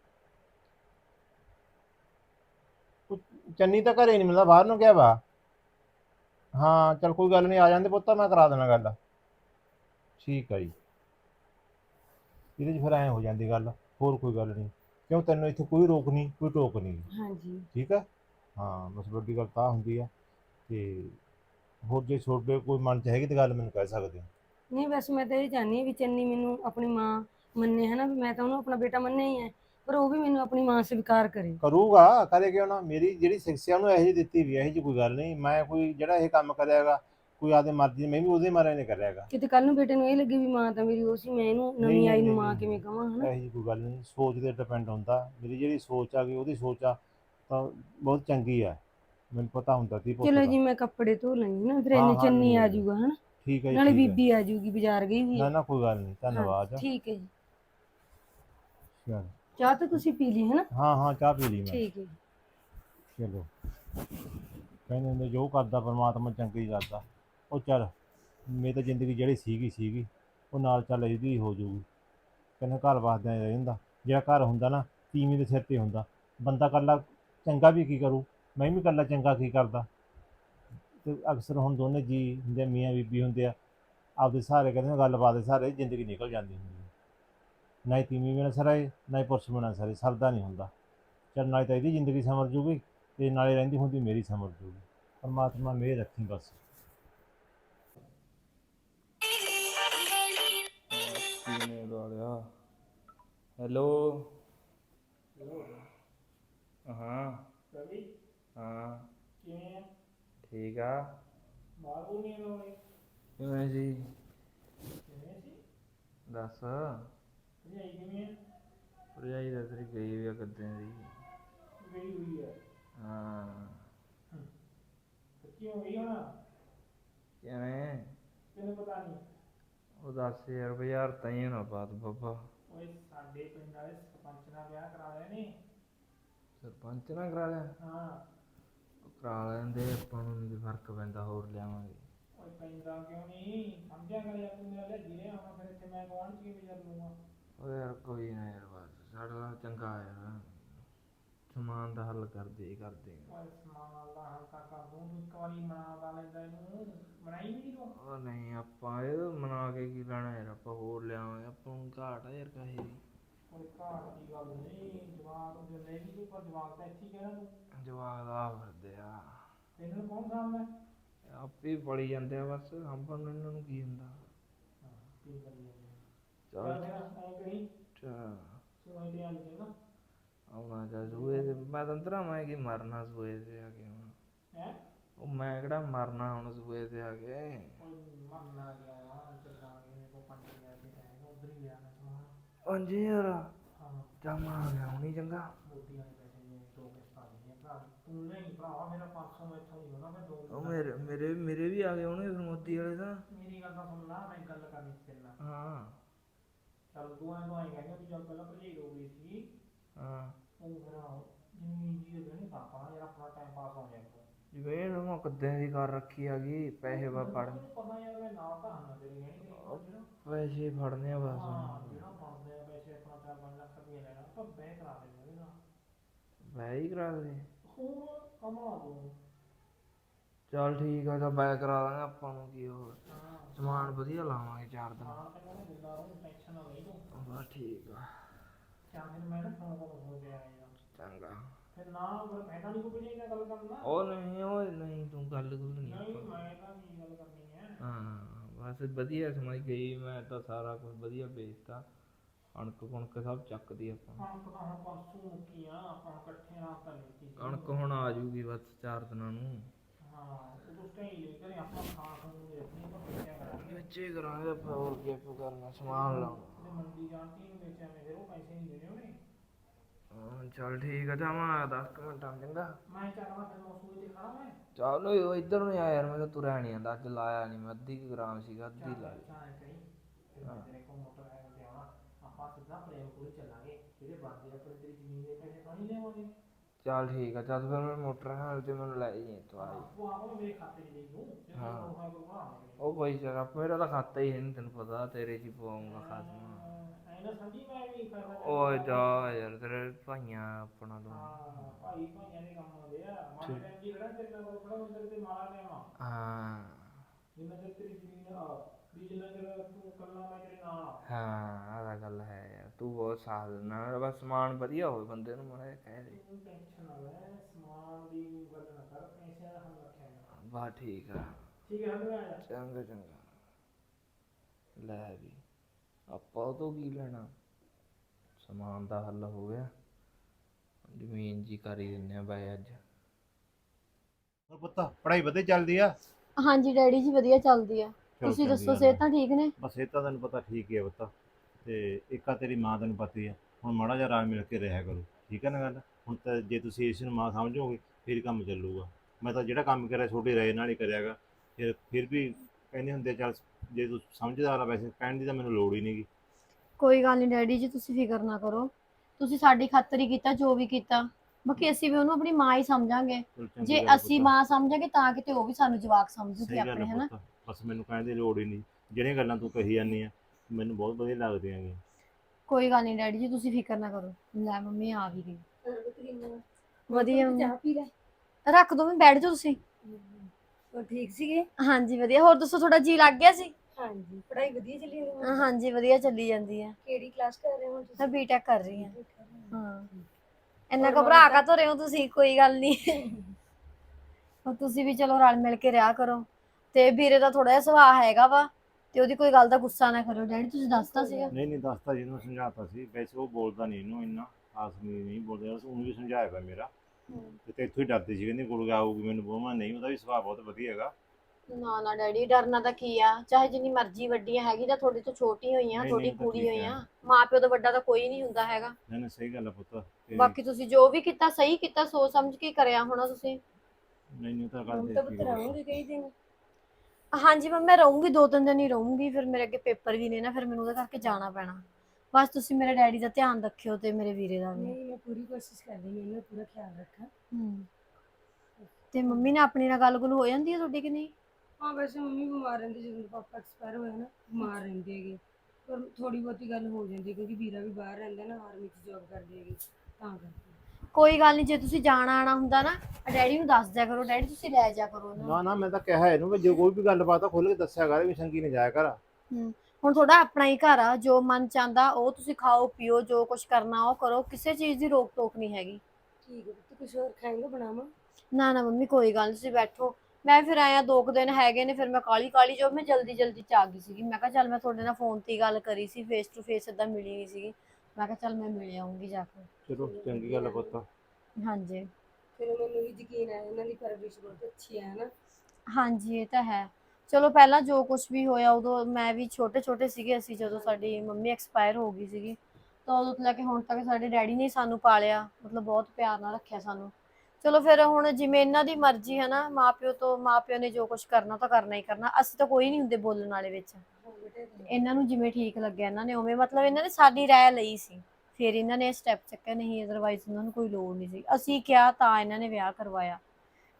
Speaker 2: ਚੰਨੀ ਤਾਂ ਘਰੇ ਨਹੀਂ ਮਿਲਦਾ, ਬਾਹਰ ਨੂੰ ਗਿਆ ਵਾ। ਹਾਂ ਚਲ ਕੋਈ ਗੱਲ ਨਹੀਂ, ਆ ਜਾਂਦੇ ਪੁੱਤ, ਮੈਂ ਕਰਾ ਦੇਣਾ ਗੱਲ। ਠੀਕ ਆ ਜੀ। ਇਹਦੇ 'ਚ ਫਿਰ ਐਂ ਹੋ ਜਾਂਦੀ ਗੱਲ, ਹੋਰ ਕੋਈ ਗੱਲ ਨਹੀਂ। ਕਿਉਂ, ਤੈਨੂੰ ਇੱਥੇ ਕੋਈ ਰੋਕ ਨਹੀਂ, ਕੋਈ ਟੋਕ ਨਹੀਂ।
Speaker 3: ਹਾਂਜੀ
Speaker 2: ਠੀਕ ਹੈ। ਹਾਂ ਬਸ ਵੱਡੀ ਗੱਲ ਤਾਂ ਹੁੰਦੀ ਆ। ਤੇ ਹੋਰ ਜੇ ਤੁਹਾਡੇ ਕੋਈ ਮਨ 'ਚ ਹੈਗੀ ਤਾਂ ਗੱਲ ਮੈਨੂੰ ਕਹਿ ਸਕਦੇ ਹੋ।
Speaker 3: ਨਹੀਂ ਬਸ ਮੈਂ ਤਾਂ ਇਹ ਚਾਹੁੰਦੀ ਹਾਂ ਵੀ ਚੰਨੀ ਮੈਨੂੰ ਆਪਣੀ ਮਾਂ ਮੰਨੇ, ਹਨਾ ਵੀ ਮੈਂ ਤਾਂ ਉਹਨੂੰ ਆਪਣਾ ਬੇਟਾ ਮੰਨਿਆ ਹੀ ਹੈ, ਪਰ ਉਹ ਵੀ ਮੈਨੂੰ ਆਪਣੀ ਮਾਂ ਸਵੀਕਾਰ ਕਰੇ।
Speaker 2: ਕਰੂਗਾ, ਕਰੇ ਕਿਉਂ ਨਾ। ਮੇਰੀ ਜਿਹੜੀ ਸਿੱਖਿਆ ਉਹਨੂੰ ਇਹੋ ਜਿਹੀ ਦਿੱਤੀ ਵੀ, ਇਹੋ ਜਿਹੀ ਕੋਈ ਗੱਲ ਨਹੀਂ। ਮੈਂ ਕੋਈ ਜਿਹੜਾ ਇਹ ਕੰਮ ਕਰਿਆਗਾ ਕੋਈ ਆਪਦੇ ਮਰਜ਼ੀ, ਮੈਂ ਵੀ ਉਹਦੇ ਮਾਰੇ ਨੇ ਕਰਿਆਗਾ।
Speaker 3: ਕਿਤੇ ਕੱਲ ਨੂੰ ਬੇਟੇ ਨੂੰ ਇਹ ਲੱਗੇ ਵੀ ਮਾਂ ਤਾਂ ਮੇਰੀ ਉਹ ਸੀ, ਮੈਂ ਇਹਨੂੰ
Speaker 2: ਨਹੀਂ
Speaker 3: ਨਵੀਂ
Speaker 2: ਨਹੀਂ
Speaker 3: ਆਈ ਨੂੰ
Speaker 2: ਨਹੀਂ
Speaker 3: ਮਾਂ
Speaker 2: ਨਹੀਂ
Speaker 3: ਕਿਵੇਂ
Speaker 2: ਨਹੀਂ,
Speaker 3: ਕਵਾਂ, ਹਨਾ।
Speaker 2: ਇਹੋ ਜਿਹੀ ਕੋਈ ਗੱਲ ਨਹੀਂ। ਸੋਚ 'ਤੇ ਡਿਪੈਂਡ ਹੁੰਦਾ। ਮੇਰੀ ਜਿਹੜੀ ਸੋਚ ਆ ਗਈ, ਉਹਦੀ ਸੋਚ ਆ ਤਾਂ ਬਹੁਤ ਚੰਗੀ ਆ। ਮੈਨੂੰ ਪਤਾ ਹੁੰਦਾ ਤੀ ਪੁੱਤ
Speaker 3: ਚਲੋ
Speaker 2: ਦਾ।
Speaker 3: ਜੀ ਮੈਂ ਕੱਪੜੇ ਧੋ ਲੈਂਦੀ ਨਾ, ਫਿਰ
Speaker 2: ਹਾਂ
Speaker 3: ਇੰਨੇ
Speaker 2: ਹਾਂ,
Speaker 3: ਚੰਨੀ ਆ
Speaker 2: ਨਿਬੇੜ ਲਓ।
Speaker 3: ਜਾਊਗਾ, ਹਨਾ।
Speaker 2: ਠੀਕ ਹੈ ਜੀ,
Speaker 3: ਨਾਲੇ
Speaker 2: ਠੀਕ ਹੈ।
Speaker 3: ਬੀਬੀ ਆ ਜਾਊਗੀ, ਬਾਜ਼ਾਰ ਗਈ ਵੀ
Speaker 2: ਨਾ
Speaker 3: ਹੈ।
Speaker 2: ਨਾ, ਕੋਈ ਗੱਲ ਨਹੀਂ,
Speaker 3: ਹਾਂਜੀ
Speaker 2: ਧੰਨਵਾਦ।
Speaker 3: ਠੀਕ ਹੈ ਜੀ।
Speaker 2: ਚਲ,
Speaker 3: ਚਾਹ ਤਾਂ ਤੁਸੀਂ ਪੀ ਲਈ, ਹਨਾ।
Speaker 2: ਹਾਂ ਹਾਂ, ਚਾਹ ਪੀ ਲਈ ਮੈਂ।
Speaker 3: ਠੀਕ ਹੈ ਜੀ।
Speaker 2: ਚਲੋ, ਕਹਿੰਦੇ ਹੁੰਦੇ ਜੋ ਕਰਦਾ ਪਰਮਾਤਮਾ ਚੰਗੀ ਕਰਦਾ। ਉਹ ਚੱਲ, ਮੇਰੀ ਤਾਂ ਜ਼ਿੰਦਗੀ ਜਿਹੜੀ ਸੀਗੀ ਸੀਗੀ ਉਹ ਨਾਲ ਚੱਲ ਇਹਦੀ ਹੋ ਜਾਊਗੀ। ਕਹਿੰਦੇ ਘਰ ਵਸਦਿਆਂ ਰਹਿ ਜਾਂਦਾ। ਜਿਹੜਾ ਘਰ ਹੁੰਦਾ ਨਾ, ਤੀਵੀਂ ਦੇ ਸਿਰ 'ਤੇ ਹੁੰਦਾ। ਬੰਦਾ ਇਕੱਲਾ ਚੰਗਾ ਵੀ ਕੀ ਕਰੂ, ਮੈਂ ਵੀ ਇਕੱਲਾ ਚੰਗਾ ਕੀ ਕਰਦਾ। ਤੇ ਅਕਸਰ ਹੁਣ ਦੋਨੇ ਜੀ ਹੁੰਦੇ, ਮੀਆਂ ਬੀਬੀ ਹੁੰਦੇ ਆ, ਆਪਦੇ ਸਹਾਰੇ, ਕਹਿੰਦੇ ਗੱਲਬਾਤ ਦੇ ਸਹਾਰੇ ਜ਼ਿੰਦਗੀ ਨਿਕਲ ਜਾਂਦੀ ਹੁੰਦੀ ਹੈ। ਨਾ ਹੀ ਤੀਵੀਂ ਬਿਨਾਂ ਸਰੇ, ਨਾ ਹੀ ਪੁਰਸ਼ ਬਿਨਾਂ ਸਰੇ, ਸਰਦਾ ਨਹੀਂ ਹੁੰਦਾ। ਚੱਲ, ਨਾਲੇ ਤਾਂ ਇਹਦੀ ਜ਼ਿੰਦਗੀ ਸੰਵਰ ਜੂਗੀ ਤੇ ਨਾਲੇ ਰਹਿੰਦੀ ਹੁੰਦੀ ਮੇਰੀ ਸੰਵਰ ਜੂਗੀ। ਪਰਮਾਤਮਾ ਮਿਹਰ ਰੱਖੀ ਬਸ।
Speaker 4: ਕਿਨੇ ਲਾ ਲਿਆ। ਹੈਲੋ, ਹਾਂ ਹਾਂ, ਠੀਕ ਆ। ਕਿਵੇਂ ਸੀ, ਦੱਸ। ਭਰਜਾਈ ਤਾਂ ਤੇਰੀ ਗਈ ਵੀ ਆ ਕਿੱਦਾਂ ਦੀ। ਹਾਂ, ਕਿਵੇਂ, ਉਹ ਦੱਸ ਯਾਰ, ਬਾਜ਼ਾਰ ਤਾਂ ਹੀ ਨਾ ਬਾਤ ਬਾਬਾ।
Speaker 2: ਸਾਡੇ ਪਿੰਡ ਵਾਲੇ ਸਰਪੰਚ ਨਾਲ ਵਿਆਹ ਕਰਾ ਲਿਆ ਨੇ।
Speaker 4: ਸਰਪੰਚ ਨਾਲ ਕਰਾ ਲਿਆ?
Speaker 2: ਹਾਂ,
Speaker 4: ਉਹ ਕਰਾ ਲੈਂਦੇ, ਆਪਾਂ ਨੂੰ ਨਹੀਂ ਫਰਕ ਪੈਂਦਾ, ਹੋਰ ਲਿਆਵਾਂਗੇ।
Speaker 2: ਓਏ ਪੈਂਦਾ ਕਿਉਂ ਨਹੀਂ, ਸਮਝਿਆ ਕਰ ਯਾਰ, ਤੂੰ ਮੇਰਾ ਲਿਆਜੀ ਰਿਹਾ ਹੁਣ, ਫਿਰ ਇੱਥੇ ਮੈਂ ਗਵਾਂਢ 'ਚ ਕਿਵੇਂ ਚੱਲ ਲੂੰਗਾ।
Speaker 4: ਉਹ ਯਾਰ ਕੋਈ ਨਾ ਯਾਰ, ਬਸ ਸਾਡਾ ਤਾਂ ਚੰਗਾ ਯਾਰ, ਸਮਾਨ ਦਾ ਹੱਲ ਕਰਦੇ ਕਰਦੇ।
Speaker 2: ਓਏ ਸਮਾਨ ਦਾ ਹੱਲ ਤਾਂ ਕਰ ਦੂੰ, ਤੂੰ ਇੱਕ ਵਾਰੀ ਮਨਾ ਲਾ ਲੈਂਦਾ ਇਹਨੂੰ, ਮਨਾਈ ਵੀ ਨਹੀਂ ਤੂੰ।
Speaker 4: ਉਹ ਨਹੀਂ, ਆਪਾਂ ਇਹ ਮਨਾ ਕੇ ਕੀ ਲੈਣਾ ਯਾਰ, ਆਪਾਂ ਹੋਰ ਲਿਆਵਾਂਗੇ। ਆਪਾਂ ਨੂੰ ਘਾਟ ਆ ਯਾਰ ਕਾਹੇ ਦੀ।
Speaker 2: ਕੋਈ ਘਾਟ ਦੀ ਗੱਲ ਨਹੀਂ, ਜਵਾਕ ਜੇ ਲੈ ਗਈ ਪਰ ਜਵਾਕ ਤਾਂ ਇੱਥੇ ਹੀ ਕਹਿਣਾ ਤੂੰ।
Speaker 4: ਜਵਾਕ ਦਾ ਫਿਰਦੇ ਆ,
Speaker 2: ਇਹਨਾਂ ਨੂੰ ਕੌਣ ਸਾਂਭਦਾ?
Speaker 4: ਆਪੇ ਪੜੀ ਜਾਂਦੇ ਆ ਬਸ, ਸਾਂਭਣ ਨੂੰ ਇਹਨਾਂ ਨੂੰ ਕੀ ਹੁੰਦਾ।
Speaker 2: ਕੀ ਕਰੀ ਜਾਂਦੇ
Speaker 4: ਚੱਲ
Speaker 2: ਚੱਲ ਫਿਰ ਐਂ ਕਰੀ,
Speaker 4: ਅੱਛਾ,
Speaker 2: ਸੂਏ ਤੇ ਆ ਜੀ ਨਾ।
Speaker 4: ਆਉਣਾ ਚਾ ਸੂਏ ਤੇ, ਮੈਂ ਤੰਤਰਾ ਮੈਂ ਕੀ ਮਰਨਾ ਸੂਏ ਤੇ ਆ ਕੇ ਹੁਣ।
Speaker 2: ਹੈ,
Speaker 4: ਉਹ ਮੈਂ ਕਿਹੜਾ ਮਰਨਾ ਹੁਣ ਸੂਏ ਤੇ ਆ ਕੇ।
Speaker 2: ਕੋਈ ਮਰਨਾ ਗਿਆ ਆ, ਚੱਲਾਂਗੇ ਕੋ ਪੰਜ ਹਜ਼ਾਰ ਦੇ ਹੈ, ਉਧਰ ਹੀ ਲਿਆ ਮੈਂ ਸਮਾਨ।
Speaker 4: ਪੰਜ ਹਜ਼ਾਰ?
Speaker 2: ਹਾਂ,
Speaker 4: ਜਮਾ ਆ ਗਿਆ ਹੁਣੀ, ਚੰਗਾ।
Speaker 2: ਮੋਦੀ ਵਾਲੇ ਪੈਸੇ ਨੇ, ਦੋ ਕਿਸ਼ਤਾਂ ਦੇਣੀਆਂ ਭਰਾ। ਤੂੰ ਨਹੀਂ ਭਰਾਵਾ, ਮੇਰਾ ਪੰਜ ਸੌ ਇੱਥੋਂ ਨਹੀਂ ਹੋਣਾ, ਮੈਂ ਦੋ
Speaker 4: ਉਹ ਮੇਰੇ ਮੇਰੇ ਮੇਰੇ ਵੀ ਆ ਗਏ ਹੋਣੇ ਫਿਰ ਮੋਦੀ ਵਾਲੇ ਤਾਂ।
Speaker 2: ਮੇਰੀ ਗੱਲ ਤਾਂ ਸੁਣ ਲਾ, ਮੈਂ ਗੱਲ ਕਰਨੀ ਸੀ ਤੇਰੇ ਨਾਲ।
Speaker 4: ਹਾਂ
Speaker 2: ਚੱਲ ਤੂੰ ਐਂ ਤੂੰ ਐਂ ਕਹਿੰਦਾ ਵੀ ਚੱਲ ਪਹਿਲਾਂ ਭਰਜਾਈ ਹੋ ਗਈ ਸੀ,
Speaker 4: ਹਾਂ,
Speaker 2: ਉਹ ਫਿਰ ਜ਼ਮੀਨ ਜੀ ਦੇ ਨਹੀਂ ਪਾਪਾ ਯਾਰ, ਆਪਣਾ ਟਾਈਮ ਪਾਸ ਹੋ ਜਾਏਗਾ।
Speaker 4: ਜਿਵੇਂ ਮੈਂ ਕਦੇ ਦੀ ਕਰ ਰੱਖੀ ਹੈਗੀ ਪੈਸੇ ਵਾ ਫੜ
Speaker 2: ਪਤਾ ਯਾਰ ਮੈਂ ਨਾਲ ਤਾਂ ਹਾਂ ਤੇਰੀ ਗਹਿਣੀ ਤੇਰੀ
Speaker 4: ਪੈਸੇ ਫੜਨੇ ਆ ਬਸ
Speaker 2: ਹਾਂ ਜਿਹੜਾ ਬਣਦੇ ਆ ਪੈਸੇ ਆਪਣਾ ਚਾਰ ਪੰਜ ਲੱਖ ਰੁਪਏ ਲੈਣਾ ਆਪਾਂ ਬੈਂਕ ਕਰਾ ਲੈਂਦੇ ਉਹਦੇ ਨਾਲ
Speaker 4: ਮੈਂ ਹੀ ਕਰਾ ਦੇ
Speaker 2: ਹੋਰ ਕਮਾ ਦੂੰ
Speaker 4: ਚੱਲ ਠੀਕ ਆ ਤਾਂ ਬੈ ਕਰਾ ਦਾਂਗੇ ਆਪਾਂ ਨੂੰ ਕੀ ਹੋਰ ਸਮਾਨ ਵਧੀਆ ਲਾਵਾਂਗੇ ਚਾਰ ਦਿਨ
Speaker 2: ਹਾਂ ਤੇ ਕਹਿੰਦਾ ਜਿੰਦਾ ਉਹ ਟੈਨਸ਼ਨ ਨਾ ਲਈ ਤੂੰ
Speaker 4: ਬਸ ਠੀਕ ਆ
Speaker 2: ਚਾਰ ਦਿਨ ਮੈਂ ਨਾ ਫੋਨ ਕਰ ਹੋ ਗਿਆ ਯਾਰ
Speaker 4: ਚੰਗਾ
Speaker 2: ਫਿਰ ਨਾ ਫਿਰ ਮੈਂ ਤਾਂ ਨਹੀਂ ਕੋਈ ਨਹੀਂ ਗੱਲ ਕਰਨਾ
Speaker 4: ਉਹ ਨਹੀਂ ਉਹ ਨਹੀਂ ਤੂੰ ਗੱਲ ਗੁੱਲ ਨਹੀਂ
Speaker 2: ਨਹੀਂ
Speaker 4: ਆਪਾਂ
Speaker 2: ਮੈਂ ਤਾਂ ਨਹੀਂ ਗੱਲ ਕਰਨੀ ਹੈ
Speaker 4: ਹਾਂ ਬਸ ਵਧੀਆ ਸਮਝ ਗਈ ਮੈਂ ਤਾਂ ਸਾਰਾ ਕੁਝ ਵਧੀਆ ਵੇਚਤਾ ਕਣਕ ਕੁਣਕ ਸਭ ਚੱਕਦੀ ਆਪਾਂ
Speaker 2: ਕਣਕ ਤਾਂ ਹੁਣ ਪਰਸੋਂ ਮੁੱਕੀ ਆ ਆਪਾਂ ਇਕੱਠੇ ਨਾਲ ਤਾਂ ਨਹੀਂ ਕੀਤੀ
Speaker 4: ਕਣਕ ਹੁਣ ਆ ਜੂਗੀ ਬਸ ਚਾਰ ਦਿਨਾਂ ਨੂੰ
Speaker 2: ਹਾਂ ਉਹ ਤੋਂ ਹੀ ਲੈ ਕੇ ਆਪਾਂ ਖਾਣ ਖੂਣ ਨੂੰ ਰੱਖਣੀ ਪਰ ਬੱਚਿਆਂ ਕਰਾਂਗੇ
Speaker 4: ਵਿੱਚੇ ਕਰਾਂਗੇ ਆਪਾਂ ਹੋਰ ਕੀ ਆਪਾਂ ਕਰਨਾ ਸਮਾਨ ਲਾਉਣਾ
Speaker 2: ਤੇ ਮੰਡੀ ਜਾਣਤੀ ਨੂੰ ਵੇਚਿਆ ਮੈਂ ਫਿਰ ਉਹ ਪੈਸੇ ਨਹੀਂ ਦੇਣੇ ਉਹਨੇ
Speaker 4: ਹਾਂ ਚੱਲ ਠੀਕ ਆ ਜਾਵਾਂ ਦਸ ਕੁ ਮਿੰਟਾਂ ਚੰਗਾ
Speaker 2: ਮੈਂ ਚੱਲਣਾ ਫਿਰ ਮੌਸੂਮੀ ਤੇ ਖਾਣਾ ਮੈਂ
Speaker 4: ਚੱਲ ਉਹ ਇੱਧਰ ਨੂੰ ਆ ਯਾਰ ਮੈਂ ਤਾਂ ਤੁਰਿਆ ਨਹੀਂ ਆਂਦਾ ਅੱਜ ਲਾਇਆ ਨਹੀਂ ਮੈਂ ਅੱਧੀ ਕੁ ਗ੍ਰਾਮ ਸੀਗਾ ਅੱਧੀ ਲਾ ਲਈ
Speaker 2: ਚਾਹ ਕਰੀ ਤੇ ਮੈਂ ਤੇਰੇ ਕੋਲ ਮੋਟਰ ਹੈ ਤੇ ਆਉਣਾ ਆਪਾਂ ਸਿੱਧਾ ਪ੍ਰੇਮ ਕੋਲ ਚੱਲਾਂਗੇ ਜਿਹੜੇ ਬਣਦੇ ਆਪਣੇ ਤੇਰੀ ਜ਼ਮੀਨ ਦੇ ਪੈਸੇ ਤਾਂ ਨਹੀਂ ਲੈਵਾਂਗੇ
Speaker 4: ਚੱਲ ਠੀਕ ਆ ਚੱਲ ਫਿਰ ਮੈਂ ਮੋਟਰ ਨਾਲ ਤੇ ਮੈਨੂੰ ਲੈ ਜਾਈਂ ਤੂੰ ਆ ਜਾਈਂ।
Speaker 2: ਉਹ ਆਪਾਂ ਨੂੰ ਮੇਰੇ ਖਾਤੇ 'ਚ ਦੇ ਦੂੰ ਜੇ
Speaker 4: ਹਾਂ।
Speaker 2: ਤੈਨੂੰ ਹੋਇਆ ਕੋਈ ਬਣਾਵਾਂਗੇ
Speaker 4: ਉਹ ਭਾਈ ਸਾਰਾ ਮੇਰਾ ਤਾਂ ਖਾਤਾ ਹੀ ਹੈ ਨਹੀਂ ਤੈਨੂੰ ਪਤਾ ਤੇਰੇ 'ਚ ਹੀ ਪਵਾਉਂਗਾ ਖਾਸਮਾ
Speaker 2: ਐ ਨਾ ਸਮਝੀ ਮੈਂ ਵੀ ਕਰਦਾ
Speaker 4: ਓਏ ਜਾ ਯਾਰ ਤੇਰੇ ਭਾਈਆਂ ਆਪਣਾ ਤੋਂ
Speaker 2: ਹਾਂ ਭਾਈ ਭਾਈਆਂ ਦੇ ਕੰਮ ਆਉਂਦੇ ਆ ਮਾੜੇ ਟਾਈਮ ਜੀ ਖੜਾ ਤੇਰੇ ਨਾਲ ਖੜਾ ਮੰਦਰ ਤੇ ਮਾਰਾ ਲੈਣਾ
Speaker 4: ਹਾਂ
Speaker 2: ਜਿੰਨਾ ਚਿਰ ਤੇਰੀ ਜ਼ਮੀਨ ਆ ਵੀ ਜਿੰਨਾ ਚਿਰ ਤੂੰ ਕੱਲਾ ਮੈਂ ਤੇਰੇ ਨਾਲ ਆ
Speaker 4: ਹਾਂ ਆਹ ਤਾਂ ਗੱਲ ਹੈ ਯਾਰ ਤੂੰ ਬਹੁਤ ਸਾਥ ਦਿੰਦਾ ਬਸ ਸਮਾਨ ਵਧੀਆ ਹੋਵੇ ਬੰਦੇ ਨੂੰ ਮਾੜਾ ਜਿਹਾ ਕਹਿ ਦੇ
Speaker 2: ਤੂੰ ਟੈਨਸ਼ਨ ਨਾ ਲੈ ਸਮਾਨ ਦੀ ਗੱਲ ਨਾ ਕਰ ਪੈਸੇ ਦਾ ਹੱਲ ਰੱਖਿਆ ਜਾ
Speaker 4: ਬਸ ਠੀਕ ਆ
Speaker 2: ਠੀਕ ਹੈ ਹੱਲ ਆ ਜਾ
Speaker 4: ਚੰਗਾ ਚੰਗਾ ਲੈ ਵੀ ਆਪਾਂ ਉਹ ਤੋਂ ਕੀ ਲੈਣਾ ਸਮਾਨ ਦਾ ਹੱਲ ਹੋ ਗਿਆ ਜ਼ਮੀਨ ਜੀ ਕਰ ਹੀ ਦਿੰਦੇ ਆ ਬਾਈ ਅੱਜ
Speaker 2: ਹੋਰ ਪੁੱਤ ਪੜਾਈ ਵਧੀਆ ਚੱਲਦੀ ਆ
Speaker 5: ਹਾਂਜੀ ਡੈਡੀ ਜੀ ਵਧੀਆ ਚੱਲਦੀ ਆ
Speaker 2: ਚਲੋ
Speaker 5: ਤੁਸੀਂ
Speaker 2: ਚੰਗੀ
Speaker 5: ਦੱਸੋ
Speaker 2: ਗੱਲ ਆ।
Speaker 5: ਸਿਹਤਾਂ ਠੀਕ ਨੇ
Speaker 2: ਬਸ ਇਹ ਤਾਂ ਤੈਨੂੰ ਪਤਾ ਠੀਕ ਹੀ ਆ ਪੁੱਤ ਤੇ ਇੱਕ ਆ ਤੇਰੀ ਮਾਂ ਤੈਨੂੰ ਪਤਾ ਹੀ ਆ ਹੁਣ ਮਾੜਾ ਜਿਹਾ ਰਲ ਮਿਲ ਕੇ ਰਿਹਾ ਕਰੋ ਠੀਕ ਹੈ ਨਾ ਗੱਲ ਹੁਣ ਤਾਂ ਜੇ ਤੁਸੀਂ ਇਸ ਨੂੰ ਮਾਂ ਸਮਝੋਗੇ ਫਿਰ ਕੰਮ ਚੱਲੂਗਾ ਮੈਂ ਤਾਂ ਜਿਹੜਾ ਕੰਮ ਕਰਿਆ ਛੋਟੀ ਰਾਏ ਨਾਲ ਹੀ ਕਰਿਆਗਾ ਫਿਰ ਫਿਰ ਵੀ ਕਹਿੰਦੇ ਹੁੰਦੇ ਚੱਲ ਜੇ ਤੂੰ ਸਮਝਦਾਰ ਆ ਵੈਸੇ ਕਹਿਣ ਦੀ ਤਾਂ ਮੈਨੂੰ ਲੋੜ ਹੀ ਨਹੀਂਗੀ
Speaker 5: ਕੋਈ ਗੱਲ ਨਹੀਂ ਡੈਡੀ ਜੀ ਤੁਸੀਂ ਫਿਕਰ ਨਾ ਕਰੋ ਤੁਸੀਂ ਸਾਡੀ ਖਾਤਰ ਹੀ ਕੀਤਾ ਜੋ ਵੀ ਕੀਤਾ ਬਾਕੀ ਅਸੀਂ ਵੀ ਉਹਨੂੰ ਆਪਣੀ ਮਾਂ ਹੀ ਸਮਝਾਂਗੇ
Speaker 2: ਚਲ ਚੰਗੀ
Speaker 5: ਜੇ
Speaker 2: ਗੱਲ ਆ
Speaker 5: ਅਸੀਂ
Speaker 2: ਪੁੱਤ।
Speaker 5: ਮਾਂ ਸਮਝਾਂਗੇ ਤਾਂ ਕਿਤੇ ਉਹ ਵੀ ਸਾਨੂੰ ਜਵਾਕ ਸਮਝੂਗੀ
Speaker 2: ਸਹੀ ਗੱਲ
Speaker 5: ਆਪਣੇ
Speaker 2: ਆ
Speaker 5: ਹਨਾ
Speaker 2: ਪੁੱਤ ਬਸ ਮੈਨੂੰ ਕਹਿਣ ਦੀ ਲੋੜ ਹੀ ਨਹੀਂ ਜਿਹੜੀਆਂ ਗੱਲਾਂ ਤੂੰ ਕਹੀ ਜਾਂਦੀ ਆ ਮੈਨੂੰ ਬਹੁਤ ਵਧੀਆ ਲੱਗਦੀਆਂ ਗੀਆਂ
Speaker 5: ਕੋਈ ਗੱਲ ਨਹੀਂ ਡੈਡੀ ਜੀ ਤੁਸੀਂ ਫਿਕਰ ਨਾ ਕਰੋ ਲੈ ਮੰਮੀ ਆ ਵੀ ਗਈ ਵਧੀਆ ਮੰਮੀ।
Speaker 3: ਚਾਹ ਪੀ ਲੈ
Speaker 5: ਰੱਖ ਦੋ ਮੈਂ ਬੈਠ ਜਾਓ ਤੁਸੀਂ
Speaker 3: ਉਹ ਠੀਕ ਸੀਗੇ
Speaker 5: ਹਾਂਜੀ ਵਧੀਆ ਹੋਰ ਦੱਸੋ ਤੁਹਾਡਾ ਜੀ ਲੱਗ ਗਿਆ ਸੀ
Speaker 3: ਹਾਂਜੀ ਪੜ੍ਹਾਈ ਵਧੀਆ ਚੱਲੀ ਜਾਂਦੀ ਹੈ
Speaker 5: ਹਾਂਜੀ ਵਧੀਆ ਚੱਲੀ ਜਾਂਦੀ ਹੈ
Speaker 3: ਕਿਹੜੀ ਕਲਾਸ ਕਰ ਰਹੇ ਹੋ
Speaker 5: ਮੈਂ
Speaker 3: ਤੁਸੀਂ
Speaker 5: ਬੀਟੈਕ ਕਰ ਰਹੀ ਹਾਂ ਹਾਂ ਇੰਨਾ
Speaker 3: ਹੋਰ
Speaker 5: ਘਬਰਾ
Speaker 3: ਮਾਤਾ?
Speaker 5: ਕਾ ਤੋਂ ਰਹੇ ਹੋ ਤੁਸੀਂ ਕੋਈ ਗੱਲ ਨਹੀਂ ਹੁਣ ਤੁਸੀਂ ਵੀ ਚਲੋ ਰਲ ਮਿਲ ਕੇ ਰਿਹਾ ਕਰੋ ਤੇ ਵੀਰੇ ਦਾ ਥੋੜਾ ਜਿਹਾ ਸੁਭਾਅ ਹੈਗਾ ਵਾ ਤੇ ਉਹਦੀ ਕੋਈ ਗੱਲ ਦਾ ਗੁੱਸਾ ਨਾ ਕਰੋ ਡੈਡੀ ਤੁਸੀਂ ਦੱਸਤਾ ਸੀਗਾ
Speaker 2: ਨਹੀਂ ਨਹੀਂ ਦੱਸਤਾ ਜਿਹਨੂੰ ਸਮਝਾਤਾ ਸੀ ਵੈਸੇ ਉਹ ਬੋਲਦਾ ਨਹੀਂ ਇਹਨੂੰ ਇੰਨਾ ਖਾਸ ਨਹੀਂ ਨਹੀਂ ਬੋਲਦਾ ਉਹਨੂੰ ਵੀ ਸਮਝਾਇਆ ਵਾ ਮੇਰਾ ਤੇ ਤੇ ਇੱਥੋਂ ਹੀ ਡਰਦੀ ਸੀ ਕਹਿੰਦੀ ਗੁੜਗਾ ਆਊਗੀ ਮੈਨੂੰ ਬੋਲਣਾ ਨਹੀਂ ਉਹਦਾ ਵੀ ਸੁਭਾਅ ਬਹੁਤ ਵਧੀਆ ਹੈਗਾ
Speaker 5: ਨਾ ਨਾ ਡੈਡੀ ਡਰਨਾ ਤਾਂ ਕੀ ਆ ਚਾਹੇ ਜਿੰਨੀ ਮਰਜ਼ੀ ਵੱਡੀ ਹੈਗੀ ਤਾਂ ਤੁਹਾਡੇ ਤੋਂ ਛੋਟੀ ਹੋਈ ਆ
Speaker 2: ਨਹੀਂ,
Speaker 5: ਥੋੜੀ
Speaker 2: ਨਹੀਂ, ਤਾਂ
Speaker 5: ਕੁੜੀ
Speaker 2: ਠੀਕ
Speaker 5: ਹੋਈ
Speaker 2: ਹੈ।
Speaker 5: ਆ ਮਾਂ ਪਿਓ ਤੋਂ ਵੱਡਾ ਤਾਂ ਕੋਈ ਨਹੀਂ ਹੁੰਦਾ ਹੈਗਾ
Speaker 2: ਨਹੀਂ ਨਹੀਂ ਸਹੀ ਗੱਲ ਆ ਪੁੱਤ ਤੇ
Speaker 5: ਬਾਕੀ ਤੁਸੀਂ ਜੋ ਵੀ ਕੀਤਾ ਸਹੀ ਕੀਤਾ ਸੋਚ ਸਮਝ ਕੇ ਕਰਿਆ ਹੋਣਾ ਤੁਸੀਂ
Speaker 2: ਨਹੀਂ ਨਹੀਂ ਉਹ ਤਾਂ ਗੱਲ
Speaker 3: ਹੁਣ
Speaker 2: ਤੇ
Speaker 3: ਤਾਂ
Speaker 2: ਠੀਕ
Speaker 3: ਪੁੱਤ
Speaker 2: ਆ।
Speaker 3: ਰਹੂੰਗੀ ਕਈ ਦਿਨ
Speaker 5: ਹਾਂਜੀ ਮੈਂ ਮੈਂ ਰਹੂੰਗੀ ਦੋ ਤਿੰਨ ਦਿਨ ਹੀ ਰਹੂੰਗੀ ਫਿਰ ਮੇਰੇ ਅੱਗੇ ਪੇਪਰ ਵੀ ਨੇ ਨਾ ਫਿਰ ਮੈਨੂੰ ਉਹਦੇ ਕਰਕੇ ਜਾਣਾ ਪੈਣਾ ਬਸ ਤੁਸੀਂ ਮੇਰੇ ਡੈਡੀ ਦਾ ਧਿਆਨ ਰੱਖਿਓ ਤੇ ਮੇਰੇ ਵੀਰੇ ਦਾ ਵੀ
Speaker 3: ਨਹੀਂ ਮੈਂ ਪੂਰੀ ਕੋਸ਼ਿਸ਼ ਕਰਦੀ ਹਾਂ ਇਹਨਾਂ ਦਾ ਪੂਰਾ ਖਿਆਲ ਰੱਖਾਂ
Speaker 5: ਹੂੰ ਤੇ ਮੰਮੀ ਨੇ ਆਪਣੀ ਨਾਲ ਗੱਲ ਗੁੱਲ ਹੋ ਜਾਂਦੀ ਹੈ ਤੁਹਾਡੀ ਕਿ ਨਹੀਂ
Speaker 3: ਹਾਂ ਵੈਸੇ ਮੰਮੀ ਬਿਮਾਰ ਰਹਿੰਦੀ ਜਦੋਂ ਪਾਪਾ ਐਕਸਪਾਇਰ ਹੋਇਆ ਨਾ ਬਿਮਾਰ ਰਹਿੰਦੇ ਹੈਗੇ ਪਰ ਥੋੜੀ ਬਹੁਤੀ ਗੱਲ ਹੋ ਜਾਂਦੀ ਹੈ ਕਿਉਂਕਿ ਵੀਰਾ ਵੀ ਬਾਹਰ ਰਹਿੰਦਾ ਨਾ ਆਰਮੀ 'ਚ ਜੌਬ ਕਰਦੇ ਹੈਗੇ ਤਾਂ ਕਰਕੇ
Speaker 5: ਕੋਈ ਗੱਲ ਨਹੀਂ ਜੇ ਤੁਸੀਂ ਜਾਣਾ ਆਣਾ ਹੁੰਦਾ ਨਾ ਡੈਡੀ ਨੂੰ ਦੱਸ ਦਿਆ ਕਰੋ ਡੈਡੀ ਤੁਸੀਂ ਲੈ ਜਾ ਕਰੋ ਉਹਨੂੰ
Speaker 2: ਨਾ ਨਾ ਮੈਂ ਤਾਂ ਕਿਹਾ ਇਹਨੂੰ ਵੀ ਜੇ ਕੋਈ ਵੀ ਗੱਲਬਾਤ ਆ ਖੁੱਲ ਕੇ ਦੱਸਿਆ ਕਰ ਵੀ ਸੰਗੀ ਨੇ ਜਾਇਆ ਕਰ
Speaker 5: ਹੂੰ ਹੁਣ ਤੁਹਾਡਾ ਆਪਣਾ ਹੀ ਘਰ ਆ ਜੋ ਮਨ ਚਾਹੁੰਦਾ ਉਹ ਤੁਸੀਂ ਖਾਓ ਪੀਓ ਜੋ ਕੁਝ ਕਰਨਾ ਉਹ ਕਰੋ ਕਿਸੇ ਚੀਜ਼ ਦੀ ਰੋਕ ਟੋਕ ਨਹੀਂ ਹੈਗੀ
Speaker 3: ਠੀਕ ਹੈ ਪੁੱਤ ਕੁਝ ਹੋਰ ਖਾਏਂਗੇ ਬਣਾਵਾਂ
Speaker 5: ਨਾ ਨਾ ਮੰਮੀ ਕੋਈ ਗੱਲ ਨੀ ਤੁਸੀਂ ਬੈਠੋ ਮੈਂ ਫਿਰ ਆਇਆ ਦੋ ਕੁ ਦਿਨ ਹੈਗੇ ਨੇ ਫਿਰ ਮੈਂ ਕਾਲੀ ਕਾਲੀ ਜੋ ਮੈਂ ਜਲਦੀ ਜਲਦੀ ਚ ਆ ਗਈ ਸੀਗੀ ਮੈਂ ਕਿਹਾ ਚੱਲ ਮੈਂ ਤੁਹਾਡੇ ਨਾਲ ਫੋਨ ਤੇ ਹੀ ਗੱਲ ਕਰੀ ਸੀ ਫੇਸ ਟੂ ਫੇਸ ਏਦਾਂ ਮਿਲੀ ਨਹੀਂ ਸੀਗੀ ਮੈਂ ਕਿਹਾ ਚੱਲ ਮੈਂ ਮਿਲ ਆਉਂਗੀ ਜਾ ਕੇ
Speaker 2: ਚਲੋ ਚੰਗੀ ਗੱਲ ਆ ਪੁੱਤ
Speaker 5: ਹਾਂਜੀ
Speaker 3: ਫਿਰ ਮੈਨੂੰ ਵੀ ਯਕੀਨ ਹੈ ਇਹਨਾਂ ਦੀ ਪਰਵਰਿਸ਼ ਬਹੁਤ ਅੱਛੀ ਹੈ ਨਾ
Speaker 5: ਹਾਂਜੀ ਇਹ ਤਾਂ ਹੈ ਚਲੋ ਪਹਿਲਾਂ ਜੋ ਕੁਝ ਵੀ ਹੋਇਆ ਉਦੋਂ ਮੈਂ ਵੀ ਛੋਟੇ ਛੋਟੇ ਸੀਗੇ ਅਸੀਂ ਜਦੋਂ ਸਾਡੀ ਮੰਮੀ ਐਕਸਪਾਇਰ ਹੋ ਗਈ ਸੀਗੀ ਤਾਂ ਉਦੋਂ ਤੋਂ ਲੈ ਕੇ ਹੁਣ ਤੱਕ ਸਾਡੇ ਡੈਡੀ ਨੇ ਸਾਨੂੰ ਪਾਲਿਆ ਮਤਲਬ ਬਹੁਤ ਪਿਆਰ ਨਾਲ ਰੱਖਿਆ ਸਾਨੂੰ ਚਲੋ ਫਿਰ ਹੁਣ ਜਿਵੇਂ ਇਹਨਾਂ ਦੀ ਮਰਜ਼ੀ ਹੈ ਨਾ ਮਾਪਿਓ ਤੋਂ ਮਾਪਿਓ ਨੇ ਜੋ ਕੁਝ ਕਰਨਾ ਤਾਂ ਕਰਨਾ ਹੀ ਕਰਨਾ ਅਸੀਂ ਤਾਂ ਕੋਈ ਨਹੀਂ ਹੁੰਦੇ ਬੋਲਣ ਵਾਲੇ ਵਿੱਚ
Speaker 3: ਹਾਂ ਬੇਟੇ
Speaker 5: ਇਹਨਾਂ ਨੂੰ ਜਿਵੇਂ ਠੀਕ ਲੱਗਿਆ ਇਹਨਾਂ ਨੇ ਉਵੇਂ ਮਤਲਬ ਇਹਨਾਂ ਨੇ ਸਾਡੀ ਰਾਏ ਲਈ ਸੀ ਫਿਰ ਇਹਨਾਂ ਨੇ ਇਹ ਸਟੈਪ ਚੱਕਿਆ ਨਹੀਂ ਅਦਰਵਾਈਜ਼ ਉਹਨਾਂ ਨੂੰ ਕੋਈ ਲੋੜ ਨਹੀਂ ਸੀ ਅਸੀਂ ਕਿਹਾ ਤਾਂ ਇਹਨਾਂ ਨੇ ਵਿਆਹ ਕਰਵਾਇਆ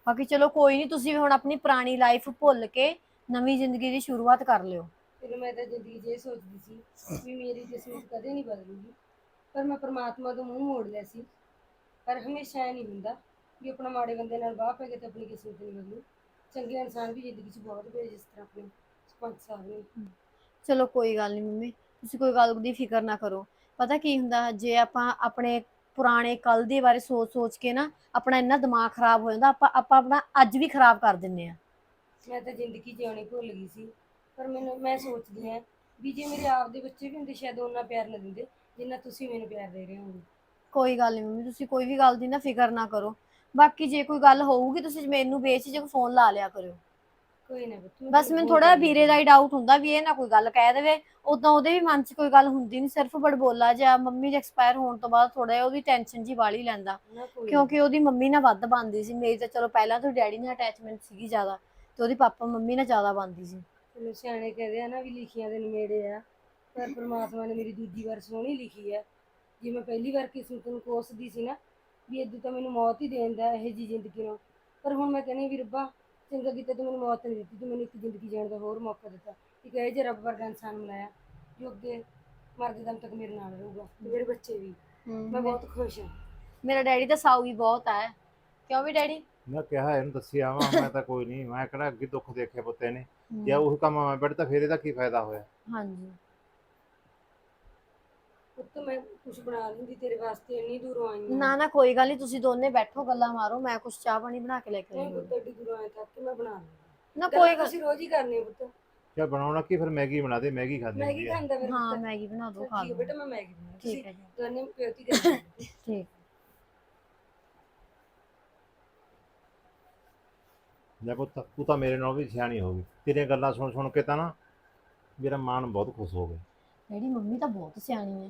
Speaker 5: ਬਾਕੀ ਚਲੋ ਕੋਈ ਨਹੀਂ, ਤੁਸੀਂ ਵੀ ਹੁਣ ਆਪਣੀ ਪੁਰਾਣੀ ਲਾਈਫ ਭੁੱਲ ਕੇ ਨਵੀਂ ਜ਼ਿੰਦਗੀ ਦੀ ਸ਼ੁਰੂਆਤ ਕਰ ਲਿਓ।
Speaker 3: ਫਿਰ ਮੈਂ ਤਾਂ ਜ਼ਿੰਦਗੀ 'ਚ ਇਹ ਸੋਚਦੀ ਸੀ ਵੀ ਮੇਰੀ ਕਿਸਮਤ ਕਦੇ ਨਹੀਂ ਬਦਲੂਗੀ, ਪਰ ਮੈਂ ਪ੍ਰਮਾਤਮਾ ਤੋਂ ਮੂੰਹ ਮੋੜ ਲਿਆ ਸੀ। ਪਰ ਹਮੇਸ਼ਾ ਇਹ ਨਹੀਂ ਹੁੰਦਾ ਵੀ ਆਪਣਾ ਮਾੜੇ ਬੰਦੇ ਨਾਲ ਵਾਹ ਪੈ ਕੇ ਤੇ ਆਪਣੀ ਕਿਸਮਤ ਨਹੀਂ ਬਦਲੂ। ਚੰਗੇ ਇਨਸਾਨ ਵੀ ਜ਼ਿੰਦਗੀ 'ਚ ਬਹੁਤ ਪਏ, ਜਿਸ ਤਰ੍ਹਾਂ ਆਪਣੇ ਸਰਪੰਚ ਸਾਹਿਬ ਨੇ।
Speaker 5: ਚਲੋ ਕੋਈ ਗੱਲ ਨਹੀਂ ਮੰਮੀ, ਤੁਸੀਂ ਕੋਈ ਗੱਲ ਦੀ ਫਿਕਰ ਨਾ ਕਰੋ। ਪਤਾ ਕੀ ਹੁੰਦਾ, ਜੇ ਆਪਾਂ ਆਪਣੇ ਪੁਰਾਣੇ ਕੱਲ ਦੇ ਬਾਰੇ ਸੋਚ ਸੋਚ ਕੇ ਨਾ ਆਪਣਾ ਇੰਨਾ ਦਿਮਾਗ ਖਰਾਬ ਹੋ ਜਾਂਦਾ, ਆਪਾਂ ਆਪਾਂ ਆਪਣਾ ਅੱਜ ਵੀ ਖਰਾਬ ਕਰ ਦਿੰਦੇ ਆ।
Speaker 3: ਮੈਂ ਤਾਂ ਜ਼ਿੰਦਗੀ ਜਿਉਣੀ ਭੁੱਲ ਗਈ ਸੀ, ਪਰ ਮੈਨੂੰ ਮੈਂ ਸੋਚਦੀ ਹਾਂ ਵੀ ਜੇ ਮੇਰੇ ਆਪ ਦੇ ਬੱਚੇ ਵੀ ਹੁੰਦੇ ਸ਼ਾਇਦ ਉਹਨਾਂ ਪਿਆਰ ਨਾ ਦਿੰਦੇ ਜਿੰਨਾ ਤੁਸੀਂ ਮੈਨੂੰ ਪਿਆਰ ਦੇ ਰਹੇ ਹੋ।
Speaker 5: ਕੋਈ ਗੱਲ ਨਹੀਂ ਮੰਮੀ, ਤੁਸੀਂ ਕੋਈ ਵੀ ਗੱਲ ਦੀ ਨਾ ਫਿਕਰ ਨਾ ਕਰੋ। ਬਾਕੀ ਜੇ ਕੋਈ ਗੱਲ ਹੋਊਗੀ ਤੁਸੀਂ ਮੈਨੂੰ ਬੇਝਿਜਕ ਫੋਨ ਲਾ ਲਿਆ ਕਰਿਓ।
Speaker 3: ਕੋਈ ਨਾ ਪੁੱਤ, ਮੈਂ
Speaker 5: ਬਸ
Speaker 3: ਤੈਨੂੰ
Speaker 5: ਮੈਨੂੰ
Speaker 3: ਫੋਨ
Speaker 5: ਥੋੜਾ
Speaker 3: ਕਰ ਲਿਆ
Speaker 5: ਵੀਰੇ ਦਾ
Speaker 3: ਕਰਾਂਗੀ।
Speaker 5: ਹੀ ਡਾਊਟ ਹੁੰਦਾ ਵੀ ਇਹ ਨਾ ਕੋਈ ਗੱਲ ਕਹਿ ਦੇਵੇ। ਉਦਾਂ ਉਹਦੇ ਵੀ ਮਨ 'ਚ ਕੋਈ ਗੱਲ ਹੁੰਦੀ ਨਹੀਂ, ਸਿਰਫ ਬੜਬੋਲਾ ਜਿਹਾ ਮੰਮੀ ਦੇ ਐਕਸਪਾਇਰ ਹੋਣ ਤੋਂ ਬਾਅਦ ਥੋੜਾ ਜਿਹਾ ਉਹਦੀ ਟੈਨਸ਼ਨ ਜੀ ਵਾਲੀ ਲੈਂਦਾ,
Speaker 3: ਨਾ ਕੋਈ ਨਾ।
Speaker 5: ਕਿਉਂਕਿ ਉਹਦੀ ਮੰਮੀ ਨਾਲ ਵੱਧ ਬਣਦੀ ਸੀ। ਮੇਰੀ ਤਾਂ ਚਲੋ ਪਹਿਲਾਂ ਤੋਂ ਡੈਡੀ ਨਾਲ ਅਟੈਚਮੈਂਟ ਸੀਗੀ ਜ਼ਿਆਦਾ, ਤੇ ਉਹਦੀ ਪਾਪਾ ਮੰਮੀ ਨਾਲ ਜ਼ਿਆਦਾ ਬਣਦੀ ਸੀ।
Speaker 3: ਚਲੋ ਸਿਆਣੇ ਕਹਿੰਦੇ ਆ ਨਾ ਵੀ ਲਿਖੀਆਂ ਦੇ ਨੇੜੇ ਆ, ਪਰ ਪ੍ਰਮਾਤਮਾ ਨੇ ਮੇਰੀ ਦੂਜੀ ਵਾਰ ਸੋਹਣੀ ਲਿਖੀ ਹੈ। ਜੇ ਮੈਂ ਪਹਿਲੀ ਵਾਰ ਕਿਸਮਤ ਨੂੰ ਕੋਸਦੀ ਸੀ ਨਾ ਵੀ ਇਦੋਂ ਤਾਂ ਮੈਨੂੰ ਮੌਤ ਹੀ ਦੇਣ ਦਾ ਇਹੋ ਜਿਹੀ ਜ਼ਿੰਦਗੀ ਨੂੰ, ਪਰ ਹੁਣ ਮੈਂ ਕਹਿੰਦੀ ਵੀ ਰੱਬਾ ਚੰਗਾ ਕੀਤਾ ਤੂੰ ਮੈਨੂੰ ਮੌਤ ਨਹੀਂ ਦਿੱਤੀ, ਤੂੰ ਮੈਨੂੰ ਇੱਕ ਜ਼ਿੰਦਗੀ ਜਿਉਣ ਦਾ ਹੋਰ ਮੌਕਾ ਦਿੱਤਾ। ਇੱਕ ਇਹ ਜਿਹਾ ਰੱਬ ਵਰਗਾ ਇਨਸਾਨ ਮਿਲਾਇਆ ਜੋ ਅੱਗੇ ਮਰਦੇ ਦਮ ਤੱਕ ਮੇਰੇ ਨਾਲ ਰਹੂਗਾ ਤੇ ਮੇਰੇ ਬੱਚੇ ਵੀ। ਮੈਂ ਬਹੁਤ ਖੁਸ਼ ਹਾਂ।
Speaker 5: ਮੇਰਾ ਡੈਡੀ ਤਾਂ ਸਾਊ ਹੀ ਬਹੁਤ ਹੈ, ਕਿਉਂ ਵੀ ਡੈਡੀ?
Speaker 2: ਮੈਂ ਕਿਹਾ ਇਹਨੂੰ ਦੱਸਿਆ ਵਾ, ਮੈਂ ਤਾਂ ਕੋਈ ਨਹੀਂ, ਮੈਂ ਕਿਹੜਾ ਅੱਗੇ ਦੁੱਖ ਦੇਖੇ ਪੁੱਤੇ ਨੇ। ਜੇ ਉਹ ਕੰਮ ਮੈਂ ਬੈਠ ਤਾਂ ਫਿਰ ਇਹਦਾ ਕੀ ਫਾਇਦਾ ਹੋਇਆ।
Speaker 5: ਹਾਂਜੀ
Speaker 3: ਪੁੱਤ ਮੈਂ ਕੁਝ ਬਣਾ ਲੈਂਦੀ ਤੇਰੇ ਵਾਸਤੇ, ਇੰਨੀ ਦੂਰੋਂ ਆਈ ਹਾਂ।
Speaker 5: ਨਾ ਨਾ ਕੋਈ ਗੱਲ ਨਹੀਂ, ਤੁਸੀਂ ਦੋਨੇ ਬੈਠੋ ਗੱਲਾਂ ਮਾਰੋ, ਮੈਂ ਕੁਛ ਚਾਹ ਪਾਣੀ ਬਣਾ ਕੇ ਲੈ ਕੇ
Speaker 3: ਨਹੀਂ
Speaker 5: ਆਉਂਦੀ
Speaker 3: ਪੁੱਤ, ਐਡੀ ਦੂਰੋਂ ਆਏ ਤੱਕ ਮੈਂ ਬਣਾ ਲੂੰਗੀ।
Speaker 5: ਨਾ।
Speaker 3: ਕੋਈ
Speaker 5: ਕੋਈ ਗੱਲ
Speaker 3: ਤੁਸੀਂ ਰੋਜ਼ ਹੀ ਕਰਨੀ ਹੈ ਪੁੱਤ।
Speaker 2: ਚੱਲ ਬਣਾਉਣਾ ਕੀ, ਫਿਰ ਮੈਗੀ ਬਣਾ ਦੇ, ਮੈਗੀ ਖਾਂਦੀ
Speaker 3: ਮੈਗੀ
Speaker 2: ਹੁੰਦੀ ਆ।
Speaker 3: ਖਾਂਦਾ ਮੇਰੇ
Speaker 5: ਹਾਂ,
Speaker 3: ਪੁੱਤ।
Speaker 5: ਮੈਗੀ ਬਣਾ ਦੋ,
Speaker 3: ਚੱਲ
Speaker 5: ਖਾ
Speaker 3: ਠੀਕ ਹੈ
Speaker 5: ਲਓ।
Speaker 3: ਬੇਟਾ, ਮੈਂ ਮੈਗੀ ਬਣਾ
Speaker 5: ਠੀਕ ਹੈ ਜੀ,
Speaker 3: ਦੋਨੇ ਪਿਓਤੀ ਕਰੀ
Speaker 5: ਠੀਕ।
Speaker 2: ਲੈ ਪੁੱਤ, ਤੂੰ ਤਾਂ ਮੇਰੇ ਨਾਲ ਵੀ ਸਿਆਣੀ ਹੋ ਗਈ, ਤੇਰੀਆਂ ਗੱਲਾਂ ਸੁਣ ਸੁਣ ਕੇ ਤਾਂ ਨਾ ਮੇਰਾ ਮਨ ਬਹੁਤ ਖੁਸ਼ ਹੋ ਗਿਆ।
Speaker 5: ਡੈਡੀ ਮੰਮੀ ਤਾਂ ਬਹੁਤ ਸਿਆਣੀ ਹੈ।